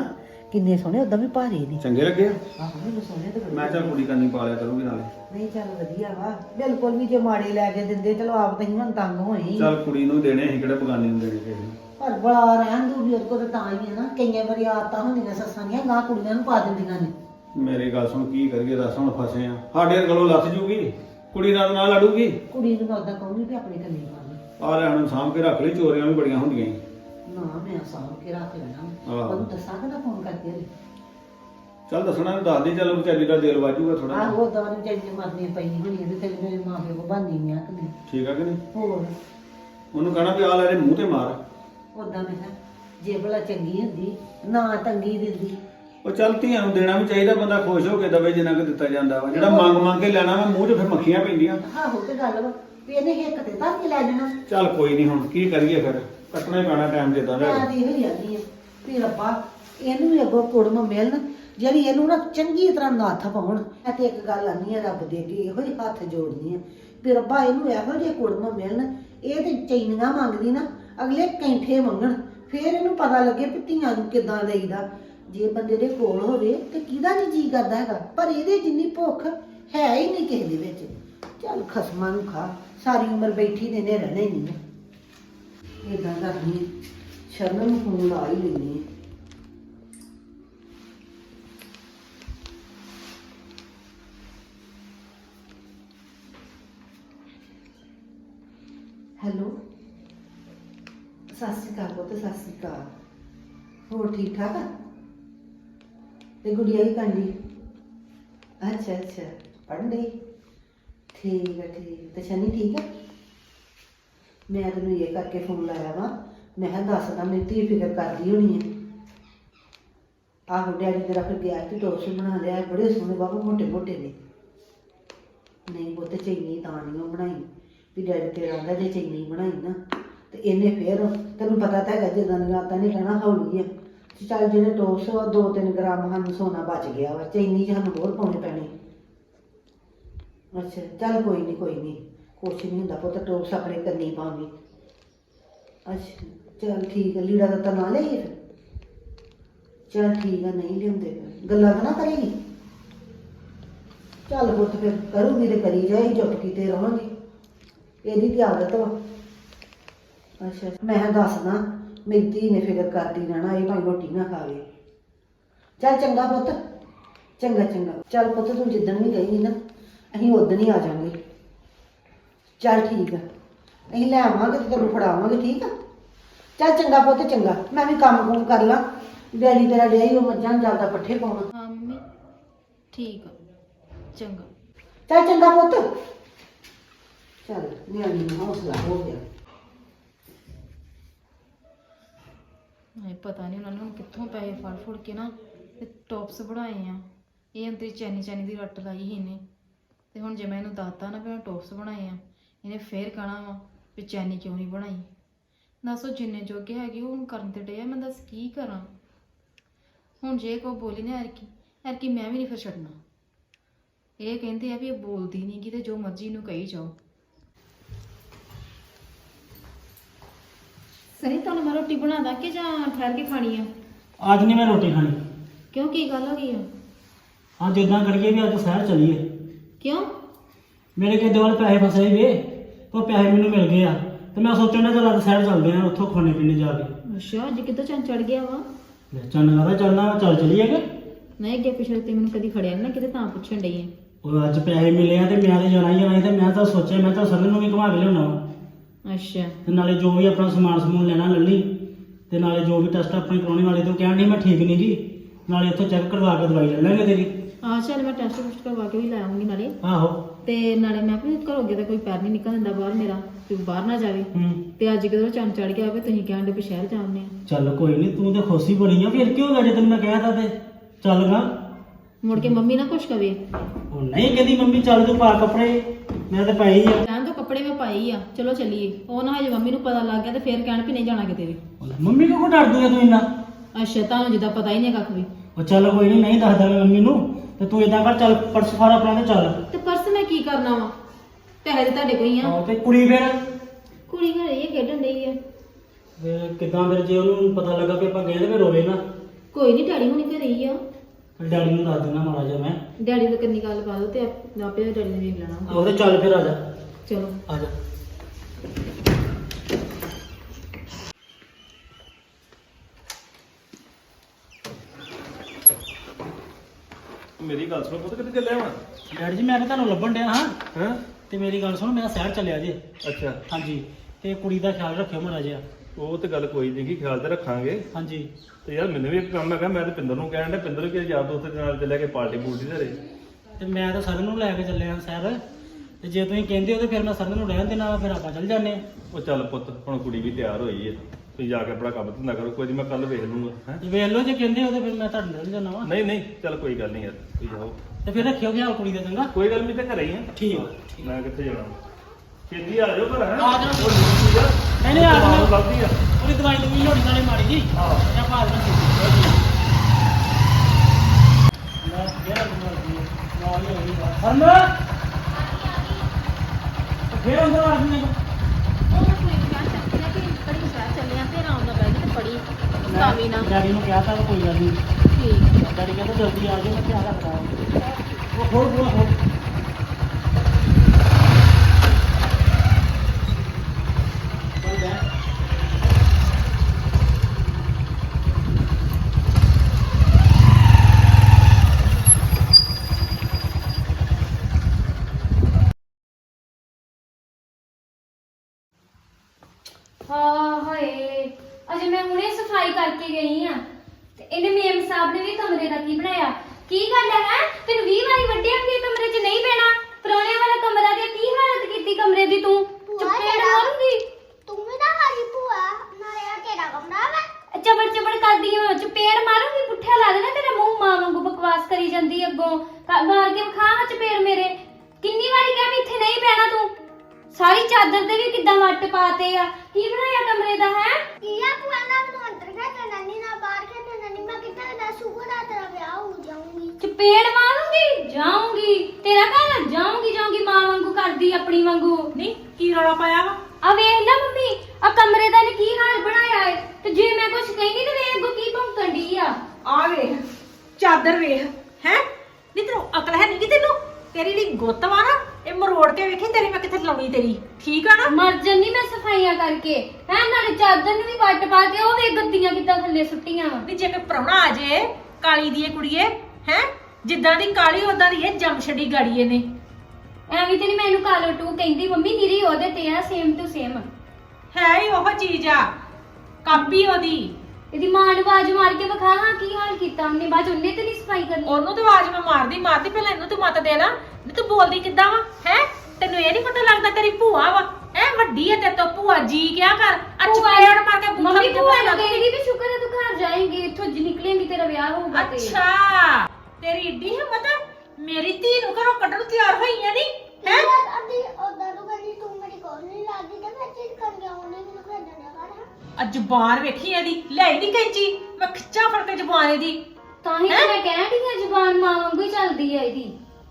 [SPEAKER 2] ਕਿੰਨੇ ਸੋਹਣੇ ਉਦਾਂ ਵੀ ਭਾਰੇ ਨੇ।
[SPEAKER 1] ਚੰਗੇ ਲੱਗੇ ਆ?
[SPEAKER 2] ਆਹੋ ਮੈਨੂੰ ਸੋਹਣੇ ਤੇ ਬੜੇ
[SPEAKER 1] ਮੈਂ ਚੱਲ ਕੁੜੀ ਕਰਨੀ ਪਾ ਲਿਆ ਕਰੂੰਗੀ ਨਾਲੇ।
[SPEAKER 2] ਨਹੀਂ ਚੱਲ ਵਧੀਆ ਵਾ, ਬਿਲਕੁਲ ਵੀ ਜੇ ਮਾੜੇ ਲੈ ਕੇ ਦਿੰਦੇ ਚਲੋ ਆਪ ਤਾਂ ਹੀ ਹੁਣ ਤੰਗ ਹੋਏ ਹੀ।
[SPEAKER 1] ਚੱਲ ਕੁੜੀ ਨੂੰ ਦੇਣੇ ਅਸੀਂ ਕਿਹੜੇ ਬਗਾਨੇ ਨੂੰ ਦੇਣੇ ਕਿਸੇ ਨੂੰ।
[SPEAKER 2] ਪਰ ਬੜਾ ਰਹਿਣ ਦੂ ਵੀ ਉਹਦੇ ਕੋਲ ਤਾਂ ਹੀ ਹੈ ਨਾ, ਕਈਆਂ ਵਾਰੀ ਆਦਤਾਂ ਹੁੰਦੀਆਂ ਸੱਸਾਂ ਦੀਆਂ ਗਾਂ ਕੁੜੀਆਂ ਨੂੰ ਪਾ ਦਿੰਦੀਆਂ ਨੇ।
[SPEAKER 1] ਮੇਰੀ ਗੱਲ ਸੁਣ, ਕੀ ਕਰੀਏ ਦੱਸ, ਹੁਣ ਫਸੇ ਆ, ਸਾਡੇ ਗਲੋਂ ਲੱਥ ਜੂਗੀ, ਕੁੜੀ ਨਾਲ ਲੜੂਗੀ।
[SPEAKER 2] ਕੁੜੀ ਨੂੰ ਮੈਂ ਉਦਾਂ ਕਹੂੰਗੀ ਵੀ ਆਪਣੇ ਕੰਨੀ ਪਾ ਲਈ।
[SPEAKER 1] ਆ ਲੈ ਹੁਣ ਸਾਂਭ ਕੇ ਰੱਖ ਲਈ, ਚੋਰੀਆਂ ਵੀ ਬੜੀਆਂ ਹੁੰਦੀਆਂ ਈ।
[SPEAKER 2] ਨਾ ਮੈਂ ਸਾਂਭ ਕੇ ਰੱਖ ਲੈਣਾ,
[SPEAKER 1] ਆਹੋ।
[SPEAKER 2] ਉਹਨੂੰ ਦੱਸਾਂਗਾ ਨਾ ਫੋਨ ਕਰਕੇ ਹਲੇ।
[SPEAKER 1] ਚੱਲ ਦੱਸਣਾ ਨੂੰ ਦੱਸ ਦੇ, ਚੱਲ ਵਿਚਾਰੀ ਦਾ ਦਿਲ ਵਾਜੂਗਾ ਥੋੜਾ।
[SPEAKER 2] ਆਹੋ ਉਦਾਂ ਨੂੰ ਚਾਹੀਦੀ ਮਰਨੀ ਪਈ ਹੋਣੀ ਇਹਦੇ ਤੇ ਮੇਰੇ ਮਾਂ ਪਿਓ ਕੋ ਬਾਨੀ ਆ ਕਿ ਨਹੀਂ।
[SPEAKER 1] ਠੀਕ ਆ ਕਿ ਨਹੀਂ?
[SPEAKER 2] ਹੋਰ
[SPEAKER 1] ਉਹਨੂੰ ਕਹਣਾ ਵੀ ਆ ਲੈ ਇਹਦੇ ਮੂੰਹ ਤੇ ਮਾਰ।
[SPEAKER 2] ਉਦਾਂ ਮੈਂ ਕਿਹਾ ਜੇ ਭਲਾ ਚੰਗੀ ਹੁੰਦੀ ਨਾ ਤੰਗੀ ਦਿੰਦੀ।
[SPEAKER 1] ਉਹ ਚੱਲ ਧੀਆਂ ਨੂੰ ਦੇਣਾ ਵੀ ਚਾਹੀਦਾ, ਬੰਦਾ ਖੁਸ਼ ਹੋ ਕੇ ਦਵੇ ਜਿੰਨਾ ਕੁ ਦਿੱਤਾ ਜਾਂਦਾ ਵਾ। ਜਿਹੜਾ ਮੰਗ ਕੇ ਲੈਣਾ ਵਾ ਮੂੰਹ 'ਚ ਫਿਰ ਮੱਖੀਆਂ ਪੈਂਦੀਆਂ।
[SPEAKER 2] ਆਹੋ ਤੇ ਗੱਲ ਵਾ ਵੀ ਇਹਨੇ ਹਿੱਕ ਤੇ ਧਰ ਕੇ ਲੈ ਜਾਣਾ।
[SPEAKER 1] ਚੱਲ ਕੋਈ ਨਹੀਂ, ਹੁਣ ਕੀ ਕਰੀਏ, ਫਿਰ ਕੱਟਣਾ ਹੀ ਪੈਣਾ ਟਾਈਮ ਜਿੱਦਾਂ ਦਾ
[SPEAKER 2] ਮੈਂ
[SPEAKER 1] ਹੈਗਾ।
[SPEAKER 2] ਤੇ ਇਹੋ ਹੀ ਆਂਦੀ ਆ ਵੀ ਰੱਬਾ ਇਹਨੂੰ ਵੀ ਅੱਗੋਂ ਕੁੜਮ ਮਿਲਣ ਜਿਹੜੀ ਇਹਨੂੰ ਨਾ ਚੰਗੀ ਤਰ੍ਹਾਂ ਨੱਥ ਪਾਉਣ। ਮੈਂ ਤੇ ਇੱਕ ਗੱਲ ਆਨੀ ਆ ਰੱਬ ਦੇ ਅੱਗੇ ਇਹੋ ਹੀ ਹੱਥ ਜੋੜਨੀ ਆ ਵੀ ਰੱਬਾ ਇਹਨੂੰ ਇਹੋ ਜਿਹੇ ਕੁੜਮ ਮਿਲਣ। ਇਹ ਤੇ ਚੈਨੀਆਂ ਮੰਗਦੀ ਨਾ, ਅਗਲੇ ਕੈਂਠੇ ਮੰਗਣ, ਫਿਰ ਇਹਨੂੰ ਪਤਾ ਲੱਗੇ ਵੀ ਧੀਆਂ ਨੂੰ ਕਿੱਦਾਂ ਦੇਈਦਾ। ਜੇ ਬੰਦੇ ਦੇ ਕੋਲ ਹੋਵੇ ਤੇ ਕਿਹਦਾ ਨਹੀਂ ਜੀ ਕਰਦਾ ਹੈਗਾ, ਪਰ ਇਹਦੇ ਜਿੰਨੀ ਭੁੱਖ ਹੈ ਹੀ ਨਹੀਂ ਕਿਸੇ ਦੇ ਵਿੱਚ। ਚੱਲ ਖਸਮਾਂ ਨੂੰ ਖਾ, ਸਾਰੀ ਉਮਰ ਬੈਠੀ ਦੇ ਨੇ ਰਹਿਣਾ ਹੀ ਨਹੀਂ। ਏਦਾਂ ਕਰਨੀ ਆ, ਸ਼ਰਨ ਨੂੰ ਫੋਨ ਲਾ ਹੀ ਲੈਣੀ ਆ। ਹੈਲੋ, ਸਤਿ ਸ਼੍ਰੀ ਅਕਾਲ ਪੁੱਤ, ਸਤਿ ਸ਼੍ਰੀ ਅਕਾਲ। ਹੋਰ ਠੀਕ ਠਾਕ ਆ? ਤੇ ਗੁੜੀਆ ਵੀ ਕੰਡੀ? ਅੱਛਾ ਪੜ੍ਹਨ ਡਈ? ਠੀਕ ਆ ਤੇ ਸ਼ਨੀ ਠੀਕ ਆ? ਮੈਂ ਤੈਨੂੰ ਇਹ ਕਰਕੇ ਫੋਨ ਲਾਇਆ ਵਾ, ਮੈਂ ਕਿਹਾ ਦੱਸਦਾ ਮੇਰੀ ਧੀ ਫਿਕਰ ਕਰਦੀ ਹੋਣੀ ਹੈ। ਆਹੋ ਡੈਡੀ ਤੇਰਾ ਫਿਰ ਗਿਆ ਤੇ ਟੋਸਟ ਬਣਾ ਲਿਆ, ਬੜੇ ਸੋਹਣੇ ਬਾਬਾ, ਮੋਟੇ ਮੋਟੇ ਨੇ। ਨਹੀਂ ਪੁੱਤ ਚੀਨੀ ਤਾਂ ਨਹੀਂ ਉਹ ਬਣਾਈ ਵੀ ਡੈਡੀ ਤੇਰਾ ਆਂਦਾ ਜੇ ਚੀਨੀ ਬਣਾਈ ਨਾ ਤੇ ਇਹਨੇ ਫਿਰ ਤੈਨੂੰ ਪਤਾ ਤਾਂ ਹੈਗਾ ਜਿੱਦਾਂ ਦੀਆਂ ਆਦਤਾਂ ਨੇ ਕਹਿਣਾ ਹੌਲੀ ਆ। ਚੱਲ ਜਿਹੜੇ ਟੋਸ 2-3 ਗ੍ਰਾਮ ਸਾਨੂੰ ਸੋਨਾ ਬਚ ਗਿਆ ਵਾ, ਚੀਨੀ ਚ ਸਾਨੂੰ ਹੋਰ ਪਾਉਣੇ ਪੈਣੇ। ਅੱਛਾ ਚੱਲ ਕੋਈ ਨਹੀਂ ਕੁਛ ਨਹੀਂ ਹੁੰਦਾ ਪੁੱਤ, ਟੋਸ ਆਪਣੇ ਕੰਨੀ ਪਾਉਣੀ। ਅੱਛਾ ਚੱਲ ਠੀਕ ਆ, ਲੀੜਾ ਦਾ ਤਾਂ ਨਾ ਲਈਏ ਫਿਰ। ਚੱਲ ਠੀਕ ਆ, ਨਹੀਂ ਲਿਆਉਂਦੇ ਫਿਰ ਗੱਲਾਂ ਤਾਂ ਨਾ ਕਰੇਗੀ। ਚੱਲ ਪੁੱਤ ਫਿਰ ਕਰੂਗੀ ਤੇ ਕਰੀ ਜਾਏਗੀ, ਚੁੱਪ ਕੀਤੇ ਰਵਾਂਗੇ, ਇਹਦੀ ਤੇ ਆਦਤ ਵਾ। ਅੱਛਾ ਮੈਂ ਕਿਹਾ ਦੱਸਦਾ ਮੇਰੀ ਧੀ ਨੇ ਫਿਕਰ ਕਰਦੀ ਰਹਿਣਾ, ਇਹ ਭਾਈ ਰੋਟੀ ਨਾ ਖਾਵੇ। ਚੱਲ ਚੰਗਾ ਪੁੱਤ, ਚੰਗਾ ਚੱਲ ਪੁੱਤ ਤੂੰ ਜਿੱਦਣ ਵੀ ਗਈ ਨਾ ਅਸੀਂ ਉਦਣ ਹੀ ਆ ਜਾਵਾਂਗੇ। ਚੱਲ ਠੀਕ ਆ, ਅਸੀਂ ਲੈ ਆਵਾਂਗੇ ਤੇ ਤੈਨੂੰ ਫੜਾਵਾਂਗੇ, ਠੀਕ ਆ? ਚੱਲ ਚੰਗਾ ਪੁੱਤ ਚੰਗਾ, ਮੈਂ ਵੀ ਕੰਮ ਕੁਮ ਕਰ ਲਾਂ, ਡੈਡੀ ਤੇਰਾ ਡਿਆ ਹੀ ਉਹ ਮੱਝਾਂ ਨੂੰ ਜਾਂਦਾ ਪੱਠੇ ਪਾਉਣਾ।
[SPEAKER 5] ਹਾਂ ਮੰਮੀ ਠੀਕ ਆ, ਚੰਗਾ।
[SPEAKER 2] ਚੱਲ ਚੰਗਾ ਪੁੱਤ, ਚੱਲ ਨਿਆਣੀ ਨੂੰ ਹੌਸਲਾ ਹੋ ਗਿਆ।
[SPEAKER 5] ਹਾਏ ਪਤਾ ਨਹੀਂ ਉਹਨਾਂ ਨੇ ਹੁਣ ਕਿੱਥੋਂ ਪੈਸੇ ਫੜ ਕੇ ਨਾ ਤੇ ਟੌਪਸ ਬਣਾਏ ਆ। ਇਹ ਅੰਦਰ ਚੈਨੀ ਦੀ ਰੱਟ ਲਾਈ ਹੀ ਇਹਨੇ, ਤੇ ਹੁਣ ਜੇ ਮੈਂ ਇਹਨੂੰ ਦੱਸਤਾ ਨਾ ਵੀ ਮੈਂ ਟੌਪਸ ਬਣਾਏ ਆ, ਇਹਨੇ ਫੇਰ ਕਹਿਣਾ ਵਾ ਵੀ ਚੈਨੀ ਕਿਉਂ ਨਹੀਂ ਬਣਾਈ। ਦੱਸੋ ਜਿੰਨੇ ਜੋਗੇ ਹੈਗੇ ਉਹ ਹੁਣ ਕਰਨ ਤੇ ਡਿਆ, ਮੈਂ ਦੱਸ ਕੀ ਕਰਾਂ ਹੁਣ। ਜੇ ਕੋਈ ਬੋਲੀ ਨਾ ਐਰਕੀ ਮੈਂ ਵੀ ਨਹੀਂ ਫਿਰ ਛੱਡਣਾ। ਇਹ ਕਹਿੰਦੇ ਆ ਵੀ ਇਹ ਬੋਲਦੀ ਨਹੀਂ ਗੀ ਤੇ ਜੋ ਮਰਜ਼ੀ ਇਹਨੂੰ ਕਹੀ ਜਾਓ। ਸਨੀ ਤੁਹਾਨੂੰ ਮੈਂ ਰੋਟੀ ਬਣਾ ਦਾਂ ਕਿ ਜਾਂ ਠਹਿਰ ਕੇ ਖਾਣੀ ਆ?
[SPEAKER 6] ਅੱਜ ਨਹੀਂ ਮੈਂ ਰੋਟੀ ਖਾਣੀ।
[SPEAKER 5] ਕਿਉਂ ਕੀ ਗੱਲ ਹੋ ਗਈ ਆ?
[SPEAKER 6] ਅੱਜ ਇਦਾਂ ਕਰੀਏ ਵੀ ਅੱਜ ਸ਼ਹਿਰ ਚੱਲੀਏ।
[SPEAKER 5] ਕਿਉਂ?
[SPEAKER 6] ਮੇਰੇ ਕਿਤੇ ਵਾਲੇ ਪੈਸੇ ਫਸੇ ਵੇ, ਉਹ ਪੈਸੇ ਮੈਨੂੰ ਮਿਲ ਗਏ ਆ ਤੇ ਮੈਂ ਸੋਚਿਆ ਨਾ ਚੱਲ ਅੱਜ ਸ਼ਹਿਰ ਚੱਲਦੇ ਆ, ਉੱਥੋਂ ਖਾਣੇ ਪੀਣੇ ਜਾ ਕੇ।
[SPEAKER 5] ਅੱਛਾ ਅੱਜ ਕਿੱਦਾਂ ਚੰਨ ਚੜ ਗਿਆ ਵਾ?
[SPEAKER 6] ਚੰਨ ਕਾਹਦਾ ਚੱਲਣਾ ਵਾ, ਚੱਲ ਚੱਲੀਏ ਕਿ
[SPEAKER 5] ਨਹੀਂ ਅੱਗੇ ਪਿਛਲੇ ਤੇ ਮੈਨੂੰ ਕਦੀ ਖੜਿਆ ਨਾ ਕਿਤੇ, ਤਾਂ ਪੁੱਛਣ ਡਈ ਆ।
[SPEAKER 6] ਉਹ ਅੱਜ ਪੈਸੇ ਮਿਲੇ ਆ ਤੇ ਮੈਂ ਤੇ ਜਾਣਾ ਹੀ ਜਾਣਾ ਸੀ ਤੇ ਮੈਂ ਤਾਂ ਸੋਚਿਆ ਮੈਂ ਤਾਂ ਸਰਨ ਨੂੰ ਵੀ ਘੁਮਾ ਕੇ ਲਿਆਉਣਾ ਵਾ।
[SPEAKER 5] ਅੱਛਾ
[SPEAKER 6] ਤੇ ਨਾਲੇ ਜੋ ਵੀ ਆਪਣਾ ਸਮਾਨ ਲੈਣਾ ਲੈ ਲਈ, ਤੇ ਨਾਲੇ ਜੋ ਵੀ ਟੈਸਟ ਆਪਣੇ ਕਰਾਉਣੇ ਵਾਲੇ ਤੋਂ ਕਹਿਣ ਡਈ ਮੈਂ ਠੀਕ ਨਹੀਂ ਜੀ, ਨਾਲੇ ਉੱਥੋਂ ਚੈੱਕ ਕਰਵਾ ਕੇ ਦਵਾਈ ਲੈ ਲਾਂਗੇ ਤੇਰੀ।
[SPEAKER 5] ਆਹ ਚੱਲ ਮੈਂ ਟੈਸਟ ਟੁਸਟ ਕਰਵਾ ਕੇ ਵੀ ਲੈ ਆਉਂਗੀ ਨਾਲੇ।
[SPEAKER 6] ਆਹੋ
[SPEAKER 5] ਤੇ ਨਾਲੇ ਮੈਂ ਵੀ ਘਰੋਂ ਅੱਗੇ ਤਾਂ ਕੋਈ ਪੈਰ ਨਹੀਂ ਨਿਕਲ ਦਿੰਦਾ ਬਾਹਰ ਮੇਰਾ, ਤੇ ਬਾਹਰ ਨਾ ਜਾਵੇ। ਤੇ ਅੱਜ ਕਿਧਰੋਂ ਚੰਨ ਚੜ ਗਿਆ ਹੋਵੇ, ਤੁਸੀਂ ਕਹਿਣ ਦੇ ਵੀ ਸ਼ਹਿਰ ਜਾਣੇ ਆ।
[SPEAKER 6] ਚੱਲ ਕੋਈ ਨਹੀਂ, ਤੂੰ ਤੇ ਖੁਸ਼ ਹੀ ਬਣੀ ਆ, ਫਿਰ ਕੀ ਹੋ ਗਿਆ ਜੇ ਤੈਨੂੰ ਮੈਂ ਕਹਿਤਾ ਤੇ ਚੱਲ ਗਾ।
[SPEAKER 5] ਮੁੜ ਕੇ ਮੰਮੀ ਨਾ ਕੁਛ ਕਵੇ।
[SPEAKER 6] ਉਹ ਨਹੀਂ ਕਹਿੰਦੀ ਮੰਮੀ ਚੱਲ ਤੂੰ ਪਾ ਕੱਪੜੇ, ਮੈਂ ਤਾਂ ਪਾਈ ਆ।
[SPEAKER 5] ਕਹਿਣ ਤੋਂ ਕੱਪੜੇ ਮੈਂ ਪਾਈ ਆ, ਚਲੋ ਚੱਲੀਏ। ਉਹ ਨਾ ਹਜੇ ਮੰਮੀ ਨੂੰ ਪਤਾ ਲੱਗ ਗਿਆ ਤੇ ਫੇਰ ਕਹਿਣ ਵੀ ਨਹੀਂ ਜਾਣਾ ਕਿਤੇ ਵੀ।
[SPEAKER 6] ਮੰਮੀ ਕਿਉਂ ਡਰਦੀ ਆ ਤੂੰ ਇੰਨਾ?
[SPEAKER 5] ਅੱਛਾ ਤੁਹਾਨੂੰ ਜਿੱਦਾਂ ਪਤਾ ਹੀ ਨਹੀਂ ਕੱਖ ਵੀ।
[SPEAKER 6] ਉਹ ਚੱਲ ਕੋਈ ਨਹੀਂ ਦੱਸਦਾ ਮੈਂ ਮੰਮੀ ਨੂੰ, ਤੇ ਤੂੰ ਇਦਾਂ ਕਰ, ਚੱਲ ਪਰਸ ਫੜ ਆਪਣਾ ਤੇ ਚੱਲ।
[SPEAKER 5] ਤੇ ਪਰਸ ਮੈਂ ਕੀ ਕਰਨਾ ਵਾ, ਪੈਸੇ ਤੇ ਤੁਹਾਡੇ ਕੋਲ ਹੀ ਆ।
[SPEAKER 6] ਤੇ ਕੁੜੀ ਫਿਰ
[SPEAKER 5] ਕੁੜੀ ਘਰੇ ਹੀ ਆ, ਖੇਡਣ ਡਈ ਆ।
[SPEAKER 6] ਫਿਰ ਕਿੱਦਾਂ ਫਿਰ ਜੇ ਉਹਨੂੰ ਪਤਾ ਲੱਗਾ ਕਿ ਆਪਾਂ ਗਏ ਤੇ ਫਿਰ ਰੋਵੇ ਨਾ।
[SPEAKER 5] ਕੋਈ ਨਹੀਂ ਡੈਡੀ ਹੁਣੀ ਘਰੇ ਹੀ ਆ।
[SPEAKER 6] ਫਿਰ ਡੈਡੀ ਨੂੰ ਦੱਸ ਦੇਣਾ ਮਾੜਾ ਜਿਹਾ ਮੈਂ।
[SPEAKER 5] ਡੈਡੀ ਦੇ ਕੰਨੀ ਗੱਲ ਪਾ ਦੋ ਤੇ ਆਪੇ ਡੈਡੀ ਨੇ ਵੇਖ ਲੈਣਾ।
[SPEAKER 6] ਆਹੋ ਤੇ ਚੱਲ ਫਿਰ ਆ ਜਾ
[SPEAKER 5] ਚਲੋ
[SPEAKER 6] ਆ ਜਾ।
[SPEAKER 3] ਮੇਰੀ ਗੱਲ ਸੁਣੋ ਪੁੱਤ, ਕਿੱਥੇ ਚੱਲਿਆ ਵਾ?
[SPEAKER 6] ਡੈਡੀ ਜੀ ਮੈਂ ਤਾਂ ਤੁਹਾਨੂੰ ਲੱਭਣ ਡਿਆ ਹਾਂ।
[SPEAKER 3] ਹਾਂ
[SPEAKER 6] ਤੇ ਮੇਰੀ ਗੱਲ ਸੁਣੋ, ਮੈਂ ਸ਼ਹਿਰ ਚੱਲਿਆ ਜੇ।
[SPEAKER 3] ਅੱਛਾ,
[SPEAKER 6] ਹਾਂਜੀ, ਤੇ ਕੁੜੀ ਦਾ ਖਿਆਲ ਰੱਖਿਓ ਮਾੜਾ ਜਿਹਾ।
[SPEAKER 3] ਉਹ ਤੇ ਗੱਲ ਕੋਈ ਨਹੀਂ, ਖਿਆਲ ਤੇ ਰੱਖਾਂਗੇ।
[SPEAKER 6] ਹਾਂਜੀ
[SPEAKER 3] ਤੇ ਯਾਰ ਮੈਨੂੰ ਵੀ ਇੱਕ ਕੰਮ ਹੈਗਾ, ਮੈਂ ਤੇ ਪਿੰਦਰ ਨੂੰ ਕਹਿਣ ਡਿਆ, ਪਿੰਦਰ ਕਿ ਯਾਰ ਦੋਸਤ ਦੇ ਨਾਲ ਚੱਲਿਆ ਕੇ ਪਾਰਟੀ ਪੂਰਟੀ ਧਰੇ।
[SPEAKER 6] ਤੇ ਮੈਂ ਤਾਂ ਸਰਨ ਨੂੰ ਲੈ ਕੇ ਚੱਲਿਆ ਸ਼ਹਿਰ, ਤੇ ਜੇ ਤੁਸੀਂ ਕਹਿੰਦੇ ਹੋ ਤੇ ਫਿਰ ਮੈਂ ਸਰਨ ਨੂੰ ਰਹਿਣ ਦੇਣਾ, ਫਿਰ ਆਪਾਂ ਚੱਲ ਜਾਂਦੇ ਹਾਂ।
[SPEAKER 3] ਉਹ ਚੱਲ ਪੁੱਤ, ਹੁਣ ਕੁੜੀ ਵੀ ਤਿਆਰ ਹੋਈ ਹੈ, ਤੁਸੀਂ ਜਾ ਕੇ ਆਪਣਾ ਕੰਮ ਧੰਦਾ ਕਰੋ, ਕੋਈ ਨਹੀਂ ਮੈਂ ਕੱਲ ਵੇਖ ਲੂੰਗਾ। ਹੈ
[SPEAKER 6] ਤੇ ਵੇਖ ਲਓ ਜੇ ਕਹਿੰਦੇ ਹੋ ਤੇ ਫਿਰ ਮੈਂ ਤੁਹਾਡੇ ਨਾਲ ਜਾਣਾ ਵਾ।
[SPEAKER 3] ਨਹੀਂ ਨਹੀਂ, ਚੱਲ ਕੋਈ ਗੱਲ ਨਹੀਂ ਯਾਰ, ਤੁਸੀਂ ਜਾਓ।
[SPEAKER 6] ਤੇ ਫਿਰ ਰੱਖਿਓ ਖਿਆਲ ਕੁੜੀ ਦਾ, ਚੰਗਾ?
[SPEAKER 3] ਕੋਈ ਗੱਲ ਨਹੀਂ, ਤੇ ਘਰੇ ਹੀ ਆ।
[SPEAKER 6] ਠੀਕ ਆ।
[SPEAKER 3] ਮੈਂ ਕਿੱਥੇ ਜਾਣਾ, ਛੇਤੀ ਆ ਜਾਓ ਘਰ। ਹੈ
[SPEAKER 6] ਆ ਜਾਣਾ। ਨਹੀਂ ਨਹੀਂ, ਆ ਜਾਣਾ।
[SPEAKER 3] ਲੱਭਦੀ ਆ।
[SPEAKER 6] ਉਹਦੀ ਦਵਾਈ ਦਵਾਈ ਲੋੜੀ ਨਾਲੇ ਮਾੜੀ ਜੀ।
[SPEAKER 3] ਹਾਂ
[SPEAKER 6] ਜਾਂ ਭਾਲ ਨਾ ਮੈਂ ਫੇਰ ਨਾਲ ਹੀ ਹੋਈ ਬਾਤ ਸਰਨ ਫੇਰ ਅੰਦਰ ਆ ਜਨੇ ਕੋ। ਡੈਡੀ ਨੂੰ ਕਿਹਾ ਤਾਂ ਕੋਈ ਗੱਲ ਨਹੀਂ। ਡੈਡੀ ਕਹਿੰਦਾ ਜਲਦੀ ਆ ਜਾਓ, ਮੈਂ ਧਿਆਨ ਰੱਖਦਾ। ਉਹ ਖੋਲ ਬੂਆ ਖੋਲ। ਚੱਲ ਬੈ।
[SPEAKER 7] ਹਾਂ ਹਾਏ, ਅਜੇ ਮੈਂ ਹੁਣੇ ਸਫਾਈ ਕਰਕੇ ਗਈ ਆ ਤੇ ਇਹਨੇ ਮੇਮ ਸਾਹਿਬ ਨੇ ਵੀ ਕਮਰੇ ਦਾ ਕੀ ਬਣਾਇਆ। ਕੀ ਗੱਲ ਹੈ ਤੈਨੂੰ 20 ਵਾਰੀ ਵੱਡਿਆ ਕਿ ਕਮਰੇ 'ਚ ਨਹੀਂ ਬਹਿਣਾ। ਪਰੌਣਿਆਂ ਵਾਲਾ ਕਮਰਾ ਦੀ ਕੀ ਹਾਲਤ ਕੀਤੀ ਕਮਰੇ ਦੀ ਤੂੰ। ਚਪੇੜ ਮਾਰੂੰਗੀ।
[SPEAKER 8] ਤੂੰ ਵੀ ਨਾ ਹਾਰੀ ਭੂਆ ਨਾਲੇ ਆ ਤੇਰਾ ਕਮਰਾ ਵਾ।
[SPEAKER 7] ਚਬੜ ਚਬੜ ਕਰਦੀ ਆ, ਚਪੇੜ ਮਾਰੂੰਗੀ, ਪੁੱਠਾ ਲਾ ਦੇਣਾ ਤੇਰਾ ਮੂੰਹ। ਮਾਂ ਵਾਂਗੂ ਬਕਵਾਸ ਕਰੀ ਜਾਂਦੀ ਅੱਗੋਂ। ਮਾਰ ਕੇ ਖਾ ਚਪੇੜ ਮੇਰੇ। ਕਿੰਨੀ ਵਾਰੀ ਕਿਹਾ ਵੀ ਇੱਥੇ ਨਹੀਂ ਬਹਿਣਾ ਤੂੰ। ਸਾਰੀ ਚਾਦਰ ਤੇ ਵੀ ਕਿੱਦਾਂ ਵੱਟ ਪਾਤੇ ਆ। ਕੀ ਬਣਾਇਆ ਕਮਰੇ ਦਾ ਹੈ?
[SPEAKER 8] ਕੀ ਆ ਭੂਆ ਨਾ ਤੂੰ ਅੰਦਰ ਖੇਡ ਨਾਨੀ ਨਾ ਬਾਹਰ ਖੇਡ ਨਾਨੀ। ਮੈਂ ਕਿੱਥੇ ਦਾ ਸ਼ੁਕਰ ਆ ਤੇਰਾ ਵਿਆਹ ਹੋ ਜਾਊਂਗੀ।
[SPEAKER 7] ਚਪੇੜ ਮਾਰੂੰਗੀ, ਜਾਊਂਗੀ ਤੇਰਾ ਘਰ, ਜਾਊਂਗੀ ਮਾਂ ਵਾਂਗੂ ਕਰਦੀ ਆਪਣੀ ਵਾਂਗੂ।
[SPEAKER 2] ਨਹੀਂ ਕੀ ਰੌਲਾ ਪਾਇਆ ਵਾ?
[SPEAKER 7] ਆ ਵੇਖ ਲੈ ਮੰਮੀ, ਆ ਕਮਰੇ ਦਾ ਨੇ ਕੀ ਹਾਲ ਬਣਾਇਆ ਏ। ਤੇ ਜੇ ਮੈਂ ਕੁਝ ਕਹਿੰਦੀ ਤੇ ਵੇਖ ਅੱਗੋਂ ਕੀ ਭੌਂਕਣ ਡਈ ਆ।
[SPEAKER 2] ਆ ਵੇਖ ਚਾਦਰ ਵੇਖ ਹੈ। ਨਹੀਂ ਤੈਨੂੰ ਅਕਲ ਹੈ ਨਹੀਂ ਕਿ ਤੈਨੂੰ? ਤੇਰੀ ਜਿਹੜੀ ਗੁੱਤ ਵਾ ਨਾ, ਇਹ ਮਰੋੜ ਕੇ ਵੇਖੀ ਤੇਰੀ ਮੈਂ ਕਿੱਥੇ ਲਾਉਣੀ ਤੇਰੀ। ਠੀਕ ਆ ਨਾ?
[SPEAKER 7] ਮਰ ਜੰਨੀ ਮੈਂ ਸਫਾਈਆਂ ਕਰਕੇ ਹੈ, ਨਾਲੇ ਚਾਦਰ ਨੂੰ ਵੀ ਵੱਟ ਪਾ ਕੇ ਉਹ ਵੇ ਗੱਦੀਆਂ ਕਿੱਦਾਂ ਥੱਲੇ ਸੁੱਟੀਆਂ ਵਾ।
[SPEAKER 2] ਨਹੀਂ ਜੇ ਕੋਈ ਪ੍ਰਾਹੁਣਾ ਆ ਜੇ ਕਾਲੀ ਦੀ ਕੁੜੀਏ ਹੈ, ਜਿੱਦਾਂ ਦੀ ਕਾਲੀ ਉਦਾਂ ਦੀ ਇਹ ਜੰਮ ਛੱਡੀ ਗਾੜੀਏ ਨੇ।
[SPEAKER 7] ਐਵੇਂ ਤੇ ਨਹੀਂ ਮੈਨੂੰ ਕਾਲੋ ਟੂ ਕਹਿੰਦੀ ਮੰਮੀ, ਨਿਰੀ ਉਹਦੇ ਤੇ ਆ ਸੇਮ ਟੂ ਸੇਮ।
[SPEAKER 2] ਹੈ ਹੀ ਉਹ ਚੀਜ਼ ਆ, ਕਾਪੀ ਉਹਦੀ।
[SPEAKER 7] ਇਹਦੀ ਮਾਂ ਨੂੰ ਆਵਾਜ਼ ਮਾਰ ਕੇ ਵਿਖਾ ਹਾਂ ਕੀ ਹਾਲ ਕੀਤਾ ਉਹਨੇ। ਬਾਅਦ ਉਹਨੇ ਤੇ ਨਹੀਂ ਸਫਾਈ ਕਰਨੀ।
[SPEAKER 2] ਉਹਨੂੰ ਤੇ ਆਵਾਜ਼ ਮੈਂ ਮਾਰਦੀ ਪਹਿਲਾਂ ਇਹਨੂੰ ਤੇ ਮਤ ਦੇ ਨਾ। ਨਹੀਂ ਤੂੰ ਬੋਲਦੀ ਕਿੱਦਾਂ ਵਾ ਹੈ? ਤੈਨੂੰ ਇਹ ਨਹੀਂ ਪਤਾ ਲੱਗਦਾ ਤੇਰੀ ਭੂਆ ਵਾ ਹੈ, ਵੱਡੀ ਹੈ ਤੇ ਤੋ ਭੂਆ ਜੀ ਕਿਆ ਕਰ। ਅੱਜ ਪੇੜ ਮਾਰ ਕੇ ਬੁੱਥਾ
[SPEAKER 7] ਮੰਮੀ ਭੂਆ ਨੂੰ ਕਹਿੰਦੀ ਵੀ ਸ਼ੁਕਰ ਹੈ ਤੂੰ ਘਰ ਜਾਏਂਗੀ, ਇੱਥੋਂ ਨਿਕਲੇਂਗੀ ਤੇਰਾ ਵਿਆਹ ਹੋਊਗਾ ਤੇ।
[SPEAKER 2] ਅੱਛਾ ਤੇਰੀ ਏਡੀ ਹਿੰਮਤ ਆ, ਮੇਰੀ ਧੀ ਨੂੰ ਘਰੋਂ ਕੱਢਣ ਨੂੰ ਤਿਆਰ ਹੋਈਆਂ ਨਹੀਂ ਹੈ?
[SPEAKER 8] ਅੱਧੀ ਉਦਾਂ ਤੂੰ ਕਹਿੰਦੀ ਤੂੰ ਮੇਰੀ ਕੋਲ ਨਹੀਂ ਲੱਗਦੀ ਤੇ ਮੈਂ ਚੀਜ਼ ਕਰ ਗਿਆ ਉਹਨੇ ਮੈਨੂੰ ਖੇਡਣ ਦਾ ਕਰ।
[SPEAKER 2] ਅੱਜ ਜ਼ੁਬਾਨ ਵੇਖੀ ਇਹਦੀ, ਲੈ ਨਹੀਂ ਕੈਂਚੀ, ਮੈਂ ਖਿੱਚਾਂ ਫੜ ਕੇ ਜ਼ੁਬਾਨ ਇਹਦੀ।
[SPEAKER 7] ਤਾਂ ਹੀ ਤਾਂ ਮੈਂ ਕਹਿਣ ਡਈ ਆ ਜ਼ੁਬਾਨ ਮਾਂ ਵਾਂਗੂ ਹੀ ਚੱਲਦੀ ਆ ਇਹਦੀ।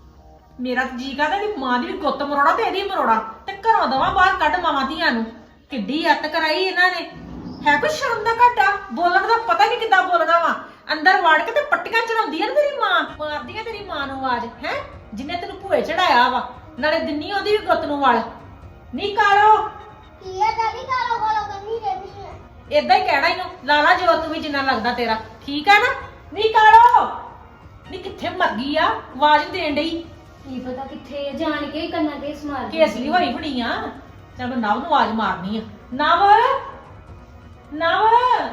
[SPEAKER 2] ਮੇਰਾ ਜੀ ਕਰਦਾ ਇਹਦੀ ਮਾਂ ਦੀ ਵੀ ਗੁੱਤ ਮਰੋੜਾ ਤੇ ਇਹਦੀ ਮਰੋੜਾ ਤੇ ਘਰੋਂ ਦਵਾ ਬਾਹਰ ਕੱਢ ਮਾਵਾਂ ਧੀਆਂ ਨੂੰ। ਕਿੱਡੀ ਅੱਤ ਕਰਾਈ ਇਹਨਾਂ ਨੇ। ਹੈ ਕੋਈ ਸ਼ਰਮ ਦਾ ਘਾਟਾ? ਬੋਲਣ ਦਾ ਪਤਾ ਨਹੀਂ ਕਿੱਦਾਂ ਬੋਲਣਾ ਵਾ। ਅੰਦਰ ਵੜ ਕੇ ਤੇ ਪੱਟੀਆਂ ਚੜਾਉਂਦੀ ਆ ਨਾ ਤੇਰੀ ਮਾਂ, ਮਾਰਦੀ ਆ ਤੇਰੀ ਮਾਂ ਨੂੰ ਆਵਾਜ਼ ਹੈ, ਜਿੰਨੇ ਤੈਨੂੰ ਭੂਏ ਚੜਾਇਆ ਵਾ। ਨਾਲੇ ਦਿੰਨੀ ਉਹਦੀ ਵੀ ਗੁੱਤ ਨੂੰ ਵਲ। ਨਹੀਂ ਕਾਲੋ
[SPEAKER 8] ਕੀ ਆ ਦਾਦੀ ਕਾਲੋ ਕਾਲੋ ਕਰਨੀ ਰਹਿੰਦੀ ਹੈ।
[SPEAKER 2] ਏਦਾਂ ਹੀ ਕਹਿਣਾ ਇਹਨੂੰ, ਲਾਲਾ ਜੋ ਤੂੰ ਵੀ ਜਿੰਨਾ ਲੱਗਦਾ ਤੇਰਾ। ਠੀਕ ਆ ਨਾ? ਨਹੀਂ ਕਾਲੋ ਨਹੀਂ ਕਿੱਥੇ ਮਰ ਗਈ ਆ, ਆਵਾਜ਼ ਦੇਣ ਡਈ।
[SPEAKER 7] ਕੀ ਪਤਾ ਕਿੱਥੇ ਆ, ਜਾਣ ਕੇ ਕੰਨਾਂ ਤੇ ਸਮਾਰ ਕੇ।
[SPEAKER 2] ਕੇਸਲੀ ਹੋਈ ਬਣੀ ਆ। ਚੱਲ ਮੈਂ ਨਵ ਨੂੰ ਆਵਾਜ਼ ਮਾਰਨੀ ਆ। ਨਵ ਨਵ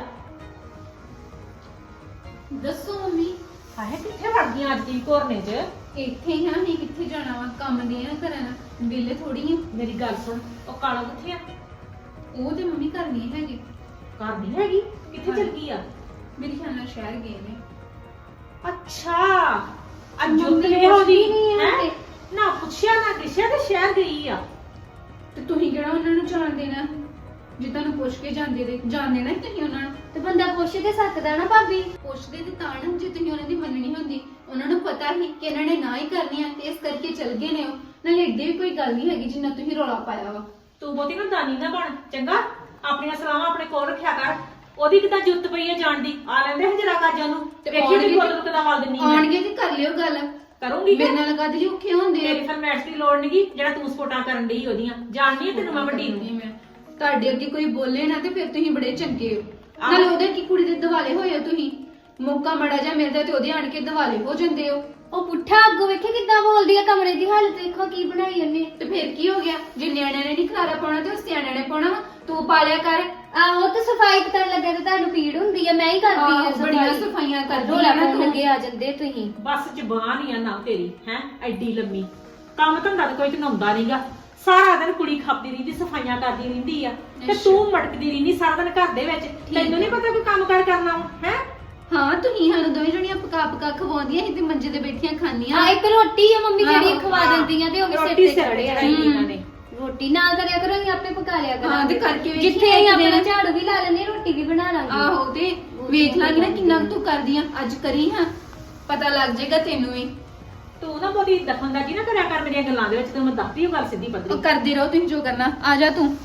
[SPEAKER 5] ਦੱਸੋ ਮੰਮੀ।
[SPEAKER 2] ਹਾਏ ਕਿੱਥੇ ਵੜ ਗਈਆਂ ਅੱਜ ਦੀ ਘੋਰਨੇ 'ਚ?
[SPEAKER 5] ਇੱਥੇ ਹੀ ਆ, ਨਹੀਂ ਕਿੱਥੇ ਜਾਣਾ ਵਾ, ਕੰਮ ਦੇ ਆ ਕਰਨ, ਵਿਹਲੇ ਥੋੜੀ ਆ।
[SPEAKER 2] ਮੇਰੀ ਗੱਲ ਸੁਣ, ਉਹ ਕਾਲਾ ਕਿੱਥੇ ਆ?
[SPEAKER 5] ਉਹ ਤੇ ਮੰਮੀ ਘਰ ਨਹੀਂ ਹੈਗੇ।
[SPEAKER 2] ਘਰ ਨਹੀਂ ਹੈਗੀ? ਕਿੱਥੇ ਚਲ ਗਈ ਆ?
[SPEAKER 5] ਮੇਰੇ ਖਿਆਲ ਨਾਲ ਸ਼ਹਿਰ ਗਏ ਨੇ।
[SPEAKER 2] ਅੱਛਾ
[SPEAKER 7] ਮੰਮੀ
[SPEAKER 2] ਅਜੁੱਤਲੇ ਹੋਦੀ
[SPEAKER 7] ਪੁੱਛਦੀ ਨਹੀਂ
[SPEAKER 2] ਹੈ
[SPEAKER 7] ਹੈ
[SPEAKER 2] ਨਾ, ਪੁੱਛਿਆ ਨਾ ਦਿਸ਼ਿਆ ਤੇ ਸ਼ਹਿਰ ਗਈ ਆ।
[SPEAKER 5] ਤੇ ਤੁਸੀਂ ਕਿਹੜਾ ਉਹਨਾਂ ਨੂੰ ਜਾਣ ਦੇਣਾ? ਜੇ ਤੁਹਾਨੂੰ ਪੁੱਛ ਕੇ ਜਾਂਦੇ ਜਾਣ ਦੇਣਾ ਤੁਸੀਂ ਉਹਨਾਂ ਨੂੰ।
[SPEAKER 7] ਤੇ ਬੰਦਾ ਪੁੱਛ ਤੇ ਸਕਦਾ ਨਾ ਭਾਬੀ।
[SPEAKER 5] ਪੁੱਛਦੇ ਤੇ ਤਾਂ ਨਾ, ਜੇ ਤੁਸੀਂ ਉਹਨਾਂ ਦੀ ਮੰਨਣੀ ਹੁੰਦੀ। ਉਹਨਾਂ ਨੂੰ ਪਤਾ ਹੀ ਕਿ ਇਹਨਾਂ ਨੇ ਨਾ ਹੀ ਕਰਨੀ ਆ ਤੇ ਇਸ ਕਰਕੇ ਚਲ ਗਏ ਨੇ ਉਹ। ਨਾਲੇ ਏਡੇ ਵੀ ਕੋਈ ਗੱਲ ਨਹੀਂ ਹੈਗੀ ਜਿੰਨਾ ਤੁਸੀਂ ਰੌਲਾ ਪਾਇਆ ਵਾ।
[SPEAKER 2] ਤੂੰ ਬਹੁਤੀ ਨਾ ਦਾਨੀ ਨਾ ਬਣ ਚੰਗਾ। ਆਪਣੀਆਂ ਸਲਾਹਾਂ ਆਪਣੇ ਕੋਲ ਰੱਖਿਆ ਕਰ
[SPEAKER 9] ਉਹਦੀ ਕਿਦਾਂ ਜੁੱਤ ਪਈ ਹੈ ਜਾਣ ਦੀ ਆ ਲੈਂਦੇ ਹਜਰਾ ਕਾਜਾਂ ਨੂੰ ਵੇਖੀ ਦੀ ਬੋਤਲ ਕਿਦਾਂ ਵੱਲ ਦਿੰਨੀ ਆ
[SPEAKER 5] ਆਣਗੇ ਤੇ ਕਰ ਲਿਓ ਗੱਲ
[SPEAKER 9] ਕਰੂੰਗੀ
[SPEAKER 5] ਮੇਰੇ ਨਾਲ ਕਦ ਔਖੇ ਹੁੰਦੇ ਆ।
[SPEAKER 9] ਤੇਰੀ ਫਰਮੈਸ਼ ਦੀ ਲੋੜ ਨਹੀਂਗੀ ਜਿਹੜਾ ਤੂੰ ਸਪੋਰਟਾਂ ਕਰਨ ਡਈ ਉਹਦੀਆਂ ਜਾਣਦੀ ਆ ਤੈਨੂੰ ਮੈਂ ਵੱਡੀ ਨੂੰ।
[SPEAKER 5] ਨਹੀਂ ਮੈਂ ਤੁਹਾਡੇ ਅੱਗੇ ਕੋਈ ਬੋਲੇ ਨਾ ਤੇ ਫਿਰ ਤੁਸੀਂ ਬੜੇ ਚੰਗੇ ਹੋ। ਨਾਲੇ ਉਹਦੇ ਕੀ ਕੁੜੀ ਦੇ ਦਿਵਾਲੇ ਹੋਏ ਹੋ ਤੁਸੀਂ, ਮੌਕਾ ਮੜਾ ਜਾ ਮਿਲਦਾ ਤੇ ਉਹਦੇ ਆਣ ਕੇ ਦਿਵਾਲੇ ਹੋ ਜਾਂਦੇ ਹੋ।
[SPEAKER 7] ਉਹ ਪੁੱਠਾ ਅੱਗੋਂ ਵੇਖੇ ਕਿੱਦਾਂ ਬੋਲਦੀ ਆ, ਕਮਰੇ ਦੀ ਹਾਲਤ ਦੇਖੋ ਕੀ ਬਣਾਈ ਉਹਨੇ।
[SPEAKER 5] ਤੇ ਫਿਰ ਕੀ ਹੋ ਗਿਆ, ਜੇ ਨਿਆਣਿਆਂ ਨੇ ਨਹੀਂ ਖਲਾਰਾ ਪਾਉਣਾ ਤੇ ਉਹ ਸਿਆਣਿਆਂ ਨੇ ਪਾਉਣਾ ਵਾ। ਤੂੰ ਪਾਲਿਆ ਕਰ।
[SPEAKER 7] ਆਹੋ ਤੇ ਸਫਾਈ ਕਰਨ ਲੱਗੇ ਤੇ ਤੁਹਾਨੂੰ ਪੀੜ ਹੁੰਦੀ ਆ, ਮੈਂ ਹੀ ਕਰਦੀ ਆ
[SPEAKER 5] ਆਹੋ, ਬੜੀਆਂ ਸਫਾਈਆਂ ਕਰਦੀ
[SPEAKER 7] ਰੋਲਾ
[SPEAKER 5] ਆ ਨਾ
[SPEAKER 7] ਪਾਉਣ
[SPEAKER 5] ਤੂੰ।
[SPEAKER 7] ਲੱਗੇ ਆ ਜਾਂਦੇ ਤੁਸੀਂ।
[SPEAKER 9] ਬਸ ਜ਼ਬਾਨ ਹੀ ਆ ਨਾ ਤੇਰੀ ਹੈ ਐਡੀ ਲੰਮੀ, ਕੰਮ ਧੰਦਾ ਤਾਂ ਕੋਈ ਤਨਾਉਂਦਾ ਨਹੀਂਗਾ। ਸਾਰਾ ਦਿਨ ਕੁੜੀ ਖਾਪਦੀ ਰਹਿੰਦੀ, ਸਫਾਈਆਂ ਕਰਦੀ ਰਹਿੰਦੀ ਆ ਤੇ ਤੂੰ ਮਟਕਦੀ ਰਹਿੰਦੀ ਸਾਰਾ ਦਿਨ ਘਰ ਦੇ ਵਿੱਚ। ਤੈਨੂੰ ਨਹੀਂ ਪਤਾ ਕੋਈ ਕੰਮ ਕਾਰ ਕਰਨਾ ਹੈ?
[SPEAKER 5] ਹਾਂ ਤੁਸੀਂ ਸਾਨੂੰ ਦੋਵੇਂ ਜਣੀਆਂ ਪਕਾ ਪਕਾ ਖਵਾਉਂਦੀਆਂ ਸੀ ਤੇ ਮੰਜੇ ਤੇ ਬੈਠੀਆਂ ਖਾਂਦੀਆਂ।
[SPEAKER 7] ਆ ਇੱਕ ਰੋਟੀ ਆ ਮੰਮੀ ਜਿਹੜੀ
[SPEAKER 5] ਆਹੋ,
[SPEAKER 7] ਖਵਾ ਦਿੰਦੀਆਂ ਤੇ ਉਹ ਵੀ ਸਿਰ
[SPEAKER 9] ਰੋਟੀ
[SPEAKER 7] ਤੇ
[SPEAKER 9] ਸਿਰ ਤੇ
[SPEAKER 7] ਚੜਿਆ।
[SPEAKER 9] ਚੜਾਈ ਇਹਨਾਂ ਨੇ।
[SPEAKER 7] ਰੋਟੀ ਨਾ ਕਰਿਆ ਕਰੋ, ਅਸੀਂ ਆਪੇ ਪਕਾ ਲਿਆ ਕਰਾਂਗੇ।
[SPEAKER 5] ਹਾਂ, ਤੇ ਕਰਕੇ ਵੇਖੀ
[SPEAKER 7] ਜਿੱਥੇ ਅਸੀਂ
[SPEAKER 5] ਇੱਕ
[SPEAKER 7] ਆਪਣਾ
[SPEAKER 5] ਦਿਨ।
[SPEAKER 7] ਝਾੜੂ ਵੀ ਲਾ ਲੈਂਦੇ, ਰੋਟੀ ਵੀ ਬਣਾ ਲਾਂਗੇ।
[SPEAKER 5] ਆਹੋ ਤੇ ਵੇਖ ਲਾਂਗੀ ਨਾ ਕਿੰਨਾ ਕੁ ਤੂੰ ਕਰਦੀ ਆ। ਅੱਜ ਕਰੀ ਹਾਂ, ਪਤਾ ਲੱਗ ਜਾਏਗਾ ਤੈਨੂੰ ਵੀ।
[SPEAKER 9] ਤੂੰ ਨਾ ਬਹੁਤੀ ਦਖਲਅੰਦਾਜ਼ੀ ਨਾ ਕਰਿਆ ਕਰ ਮੇਰੀਆਂ ਗੱਲਾਂ ਦੇ ਵਿੱਚ, ਤੈਨੂੰ ਮੈਂ ਦੱਸਦੀ ਹਾਂ ਗੱਲ ਸਿੱਧੀ
[SPEAKER 5] ਉਹ
[SPEAKER 9] ਪੱਧਰੀ।
[SPEAKER 5] ਕਰਦੇ ਰਹੋ ਤੁਸੀਂ ਜੋ ਕਰਨਾ। ਆ ਜਾ ਤੂੰ,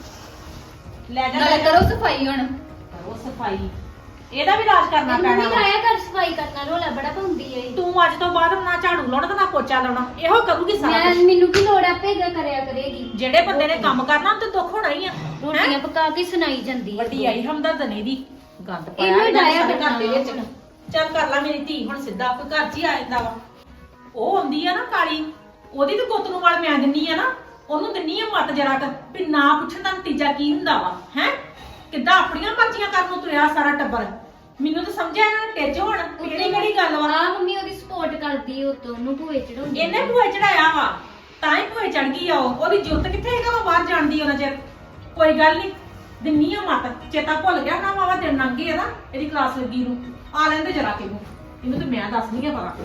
[SPEAKER 9] ਲੈ ਜਾ
[SPEAKER 5] ਨਾਲੇ ਕਰੋ ਸਫਾਈ ਹੁਣ।
[SPEAKER 9] ਕਰੋ ਸਫਾਈ, ਇਹਦਾ ਵੀ ਰਾਜ ਕਰਨਾ
[SPEAKER 7] ਮੰਮੀ
[SPEAKER 9] ਪੈਣਾ ਵਾ।
[SPEAKER 7] ਕਾਇਆ ਕਰ ਸਫਾਈ ਕਰਨਾ, ਰੋਲਾ ਬੜਾ ਪਾਉਂਦੀ ਏ।
[SPEAKER 9] ਤੂੰ ਅੱਜ ਤੋਂ ਬਾਅਦ ਨਾ ਝਾੜੂ ਲਾਉਣਾ ਤੇ ਨਾ ਪੋਚਾ ਲਾਉਣਾ, ਇਹੋ ਕਰੂਗੀ ਸਾਰਾ
[SPEAKER 7] ਮੈਂ
[SPEAKER 9] ਕੁਝ।
[SPEAKER 7] ਮੈਨੂੰ ਕੀ ਲੋੜ ਆਪੇ ਕਰਿਆ ਕਰੇਗੀ।
[SPEAKER 9] ਜਿਹੜੇ ਬੰਦੇ ਨੇ ਕੰਮ ਕਰਨਾ ਤੇ ਦੁੱਖ ਹੋਣਾ ਹੀ ਆ।
[SPEAKER 7] ਰੋਟੀਆਂ ਪਕਾ ਕੇ ਸੁਣਾਈ ਜਾਂਦੀ ਆ।
[SPEAKER 9] ਵੱਡੀ ਆਈ ਹਮਦਰਦ ਨੇ ਦੀ ਗੰਦ ਪਾਇਆ
[SPEAKER 7] ਇਹਨੂੰ
[SPEAKER 9] ਇਹਨਾਂ ਨੇ
[SPEAKER 7] ਡਾਇਆ
[SPEAKER 9] ਸਾਡੇ ਘਰ ਦੇ ਵਿੱਚ।
[SPEAKER 7] ਕਰਨਾ।
[SPEAKER 9] ਚੱਲ ਕਰ ਲੈ ਮੇਰੀ ਧੀ ਹੁਣ ਸਿੱਧਾ, ਕੋਈ ਘਰ 'ਚ ਹੀ ਆ ਜਾਂਦਾ ਵਾ। ਉਹ ਆਉਂਦੀ ਆ ਨਾ ਕਾਲੀ, ਉਹਦੀ ਤੇ ਗੁੱਤ ਨੂੰ ਵਾਲ ਮੈਂ ਦਿੰਨੀ ਆ ਨਾ, ਉਹਨੂੰ ਦਿੰਨੀ ਆ ਮੱਤ ਜਰਾ ਕਰ ਵੀ ਨਾ ਪੁੱਛਣ ਦਾ ਨਤੀਜਾ ਕੀ ਹੁੰਦਾ ਵਾ ਹੈ। ਕਿੱਦਾਂ ਆਪਣੀਆਂ ਮਰਜ਼ੀਆਂ ਕਰਨ ਨੂੰ ਤੁਰਿਆ ਸਾਰਾ ਟੱਬਰ। ਮੈਨੂੰ ਤਾਂ ਸਮਝਿਆ ਇਹਨਾਂ ਨੇ ਟਿੱਚ ਹੋਣ ਕਿਹੜੀ ਗੱਲ ਵਾ।
[SPEAKER 7] ਆ ਮੰਮੀ ਉਹਦੀ ਸਪੋਰਟ ਕਰਦੀ ਉਹ ਤੋਂ, ਉਹਨੂੰ ਭੂਏ ਚੜਾਉਂਦੀ।
[SPEAKER 9] ਇਹਨੇ ਭੂਏ ਚੜਾਇਆ ਵਾ ਤਾਂ ਹੀ ਭੂਏ ਚੜ ਗਈ ਆ ਉਹ। ਉਹਦੀ ਜੁੱਤ ਕਿੱਥੇ ਹੈਗਾ ਵਾ ਬਾਹਰ ਜਾਣਦੀ ਉਹਨਾਂ ਚਿਰ। ਕੋਈ ਗੱਲ ਨਹੀਂ, ਦਿੰਨੀ ਆ ਮੱਤ। ਚੇਤਾ ਭੁੱਲ ਗਿਆ ਨਾ ਵਾਵਾ ਦਿਨ ਲੰਘ ਗਏ ਆ ਨਾ ਇਹਦੀ ਕਲਾਸ ਲੱਗੀ ਨੂੰ। ਆ ਲੈਂਦੇ ਜਰਾ ਕੇ ਇਹਨੂੰ ਤੇ ਮੈਂ ਦੱਸਦੀ ਆ ਪਤਾ।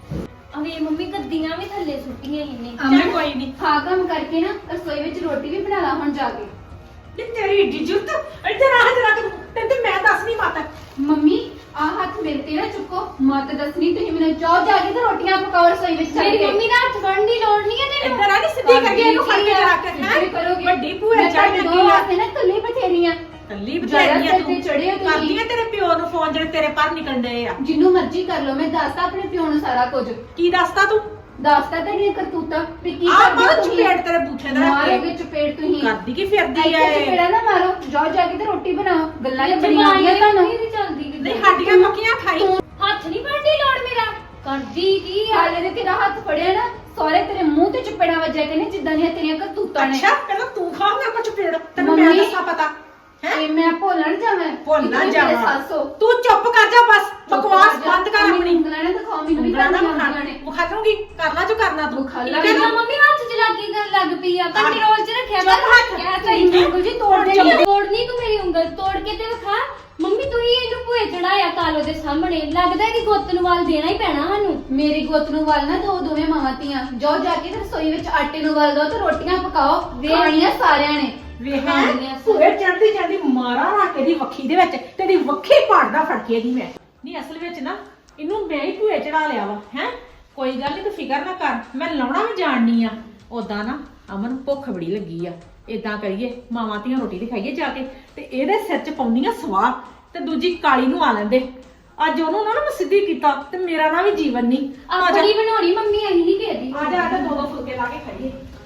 [SPEAKER 7] ਅਵੇ ਮੰਮੀ ਗੱਦੀਆਂ ਵੀ ਥੱਲੇ ਸੁੱਟੀਆਂ ਇਹਨੇ।
[SPEAKER 9] ਚੱਲ ਕੋਈ ਨਹੀਂ।
[SPEAKER 5] ਹਾਂ ਕੰਮ ਕਰਕੇ ਨਾ ਰਸੋਈ ਵਿੱਚ ਰੋਟੀ ਵੀ ਬਣਾ ਲਾ ਹੁਣ ਜਾ ਕੇ।
[SPEAKER 9] ਨੀ ਤੇਰੀ ਏਡੀ ਜੁੱਤ ਇੱਧਰ ਆ ਜਰਾ ਕੇ ਤੈਨੂੰ ਤੇ ਮੈਂ ਦੱਸਣੀ ਮੱਤ।
[SPEAKER 5] ਮੰਮੀ ਆ ਹੱਥ ਮੇਰੇ ਤੇ ਨਾ ਚੁੱਕੋ, ਮਤ ਦੱਸਣੀ ਤੁਸੀਂ ਮੈਨੂੰ। ਜਾਓ ਜਾ ਕੇ ਤੇ ਰੋਟੀਆਂ ਪਕਾਓ ਰਸੋਈ ਵਿੱਚ ਚੱਲ
[SPEAKER 7] ਮੇਰੀ
[SPEAKER 5] ਕੇ।
[SPEAKER 7] ਮੰਮੀ ਦਾ ਹੱਥ ਫੜਨ ਦੀ ਲੋੜ ਨਹੀਂ ਹੈ ਤੈਨੂੰ।
[SPEAKER 9] ਇੱਧਰ ਆ ਨੀ ਸਿੱਧੀ ਕਰਕੇ ਇਹਨੂੰ ਫੜ ਕੇ ਜਰਾ ਕੇ
[SPEAKER 5] ਇੱਦਾਂ ਹੀ ਕਰੋਗੇ।
[SPEAKER 9] ਵੱਡੀ ਭੂਏ
[SPEAKER 5] ਮੈਂ
[SPEAKER 9] ਚੜ
[SPEAKER 5] ਤੁਹਾਡੇ
[SPEAKER 9] ਲੱਗੀ
[SPEAKER 5] ਦੋ
[SPEAKER 9] ਆ।
[SPEAKER 5] ਹੱਥ ਨਾ ਕੱਲੀ ਬਥੇਰੀਆਂ।
[SPEAKER 9] ਕੱਲੀ
[SPEAKER 5] ਜ਼ਿਆਦਾ
[SPEAKER 9] ਬਥੇਰੀ ਆ
[SPEAKER 5] ਸਿਰ
[SPEAKER 9] ਤੂੰ।
[SPEAKER 5] ਤੇ ਚੜ੍ਹੇ ਹੋ ਤੁਸੀਂ।
[SPEAKER 9] ਕਰਦੀ ਆ ਤੇਰੇ ਪਿਓ ਨੂੰ ਫੋਨ ਜਿਹੜੇ ਤੇਰੇ ਪਰ ਨਿਕਲਣ ਡਏ ਆ।
[SPEAKER 5] ਜਿੰਨੂੰ ਮਰਜ਼ੀ ਕਰ ਲਓ, ਮੈਂ ਦੱਸਦਾ ਆਪਣੇ ਪਿਓ ਨੂੰ ਸਾਰਾ ਕੁਝ।
[SPEAKER 9] ਕੀ ਦੱਸਦਾ ਤੂੰ?
[SPEAKER 5] ਦੱਸਦਾ ਤੁਹਾਡੀਆਂ ਕਰਤੂਤਾਂ ਵੀ ਕੀ
[SPEAKER 9] ਆ
[SPEAKER 5] ਕਰਦੇ
[SPEAKER 9] ਮਾਰ
[SPEAKER 5] ਹੋ ਤੁਸੀਂ।
[SPEAKER 9] ਚਪੇੜ ਤੇਰੇ ਬੂਥੇ ਦਾ ਰੱਖ
[SPEAKER 5] ਮਾਰੋਗੇ
[SPEAKER 9] ਕੇ।
[SPEAKER 5] ਚਪੇੜ ਤੁਸੀਂ।
[SPEAKER 9] ਕਰਦੀ ਕੀ ਫਿਰਦੀ ਆ
[SPEAKER 5] ਇੱਥੇ
[SPEAKER 9] ਇਹ?
[SPEAKER 5] ਚਪੇੜਾ ਨਾ ਮਾਰੋ, ਜਾਓ ਜਾ ਕੇ ਤੇ ਰੋਟੀ ਬਣਾਓ। ਗੱਲਾਂ ਤੇ ਬੜੀਆਂ
[SPEAKER 7] ਜਵਾਨੀ
[SPEAKER 5] ਆਉਂਦੀਆਂ ਤੁਹਾਨੂੰ।
[SPEAKER 7] ਨਹੀਂ ਚੱਲਦੀ ਕਿਤੇ।
[SPEAKER 9] ਨਹੀਂ ਹੱਡੀਆਂ ਪੱਕੀਆਂ ਖਾਈ।
[SPEAKER 7] ਹੱਥ ਨਹੀਂ ਫੜਦੀ ਲੋੜ ਮੇਰਾ। ਕਰਦੀ ਕੀ ਆ?
[SPEAKER 5] ਹਾਲੇ ਦੇ ਤੇਰਾ ਹੱਥ ਫੜਿਆ ਨਾ, ਸਾਰੇ ਤੇਰੇ ਮੂੰਹ ਤੇ ਚਪੇੜਾ ਵੱਜਿਆ ਕਹਿੰਦੇ ਜਿੱਦਾਂ ਦੀਆਂ ਤੇਰੀਆਂ ਕਰਤੂਤਾਂ ਨੇ।
[SPEAKER 9] ਅੱਛਾ ਪਹਿਲਾਂ ਤੂੰ ਖਾ ਮੇਰੇ ਕੋਲ ਚਪੇੜ, ਤੈਨੂੰ ਮੈਂ
[SPEAKER 5] ਮੰਮੀ।
[SPEAKER 9] ਦੱਸਾਂ ਪਤਾ ਹੈ।
[SPEAKER 5] ਤੇ ਮੈਂ ਭੁੱਲਣ ਜਾਵਾਂ।
[SPEAKER 9] ਭੁੱਲ ਨਾ
[SPEAKER 5] ਕਿ ਤੁਸੀਂ ਮੇਰੇ
[SPEAKER 9] ਜਾਵਾਂ।
[SPEAKER 5] ਸੱਸ ਹੋ।
[SPEAKER 9] ਤੂੰ ਚੁੱਪ ਕਰ ਜਾ ਬਸ, ਬਕਵਾਸ ਬੰਦ ਕਰ
[SPEAKER 5] ਮੈਨੂੰ
[SPEAKER 9] ਆਪਣੀ।
[SPEAKER 5] ਉਂਗਲਾਂ ਨਾ ਦਿਖਾਓ, ਮੈਨੂੰ ਵੀ
[SPEAKER 9] ਉਂਗਲਾਂ ਨਾ
[SPEAKER 5] ਤੁਹਾਡੀਆਂ
[SPEAKER 9] ਵਿਖਾ
[SPEAKER 5] ਉਂਗਲਾਂ ਨੇ।
[SPEAKER 9] ਵਿਖਾ ਦੂੰਗੀ, ਕਰਨਾ ਜੋ ਕਰਨਾ ਤੂੰ।
[SPEAKER 5] ਵਿਖਾ
[SPEAKER 9] ਠੀਕ
[SPEAKER 5] ਲਾ।
[SPEAKER 9] ਹੈ ਨਾ?
[SPEAKER 7] ਮੰਮੀ ਹੱਥ ਚ ਲੱਗੀ ਗੱਲ ਲੱਗ ਪਈ ਆ। ਕੰਟਰੋਲ ਚ ਰੱਖਿਆ
[SPEAKER 9] ਚੁੱਪ
[SPEAKER 7] ਕਰ।
[SPEAKER 9] ਹੱਥ।
[SPEAKER 7] ਕਹਿ
[SPEAKER 5] ਤੇਰੀ
[SPEAKER 7] ਸਹੀ
[SPEAKER 5] ਉਂਗਲ ਜੀ ਤੋੜ ਦੇਣੀ।
[SPEAKER 7] ਤੋੜਨੀ ਤੂੰ ਮੇਰੀ ਉਂਗਲ ਤੋੜ ਕੇ ਤੇ ਵਿਖਾ। ਮੰਮੀ ਤੂੰ ਹੀ ਇਹਨੂੰ ਭੂਏ ਚੜਾਇਆ ਕਾਲੋ ਦੇ ਸਾਹਮਣੇ। ਲੱਗਦਾ ਇਹਦੀ ਗੁੱਤ ਨੂੰ ਵਾਲ ਦੇਣਾ ਹੀ ਪੈਣਾ ਸਾਨੂੰ।
[SPEAKER 5] ਮੇਰੀ ਗੁੱਤ ਨੂੰ ਵੱਲ ਨਾ ਦੋ ਦੋਵੇਂ ਮਾਵਾਂ ਧੀਆਂ। ਜਾਓ ਜਾ ਕੇ ਤੇ ਰਸੋਈ ਵਿੱਚ ਆਟੇ ਨੂੰ ਵੱਲ ਦੋ ਤੇ ਰੋਟੀਆਂ ਪਕਾਓ। ਖਾਣੀਆਂ ਸਾਰਿਆਂ ਨੇ।
[SPEAKER 9] ਵੇਖ
[SPEAKER 7] ਖਾਣੀਆਂ
[SPEAKER 9] ਭੂਏ ਚੜਦੀ ਚੜਦੀ ਮਾਰਾ ਰੱਖ ਕੇ ਦੀ ਵੱਖੀ ਦੇ ਵਿੱਚ ਤੇਰੀ ਵੱਖੀ ਪਾੜਦਾ ਫੜ ਕੇ ਦੀ ਮੈਂ। ਨਹੀਂ ਅਸਲ ਵਿੱਚ ਨਾ ਇਹਨੂੰ ਮੈਂ ਹੀ ਭੂਏ ਚੜਾ ਲਿਆ ਵਾ ਹੈ। ਕੋਈ ਗੱਲ ਨਹੀਂ ਤੂੰ ਫਿਕਰ ਨਾ ਕਰ, ਮੈਂ ਲਾਉਣਾ ਵੀ ਜਾਣਨੀ ਆ। ਉਦਾਂ ਨਾ ਅਮਨ ਭੁੱਖ ਬੜੀ ਲੱਗੀ ਆ। ਇਦਾਂ ਕਰੀਏ ਮਾਵਾਂ ਧੀਆਂ ਰੋਟੀ ਤੇ ਖਾਈਏ ਜਾ ਕੇ ਤੇ ਇਹਦੇ ਸਿਰ 'ਚ ਪਾਉਂਦੀਆਂ ਸਵਾਹ ਤੇ ਦੂਜੀ ਕਾਲੀ ਨੂੰ ਆ ਲੈਂਦੇ। ਅੱਜ ਉਹਨੂੰ ਨਾ ਮੈਂ ਸਿੱਧੀ ਕੀਤਾ ਤੇ ਮੇਰਾ ਨਾ ਵੀ ਜੀਵਨ ਨਹੀਂ। ਆ ਜਾ
[SPEAKER 7] ਆਪਣੀ ਬਣਾਉਣੀ ਮੰਮੀ ਅਸੀਂ ਨਹੀਂ ਕਹਿੰਦੀ।
[SPEAKER 9] ਆ ਜਾ ਦੋ ਦੋ ਫੁਲਕੇ ਲਾ ਕੇ ਖਾਈਏ।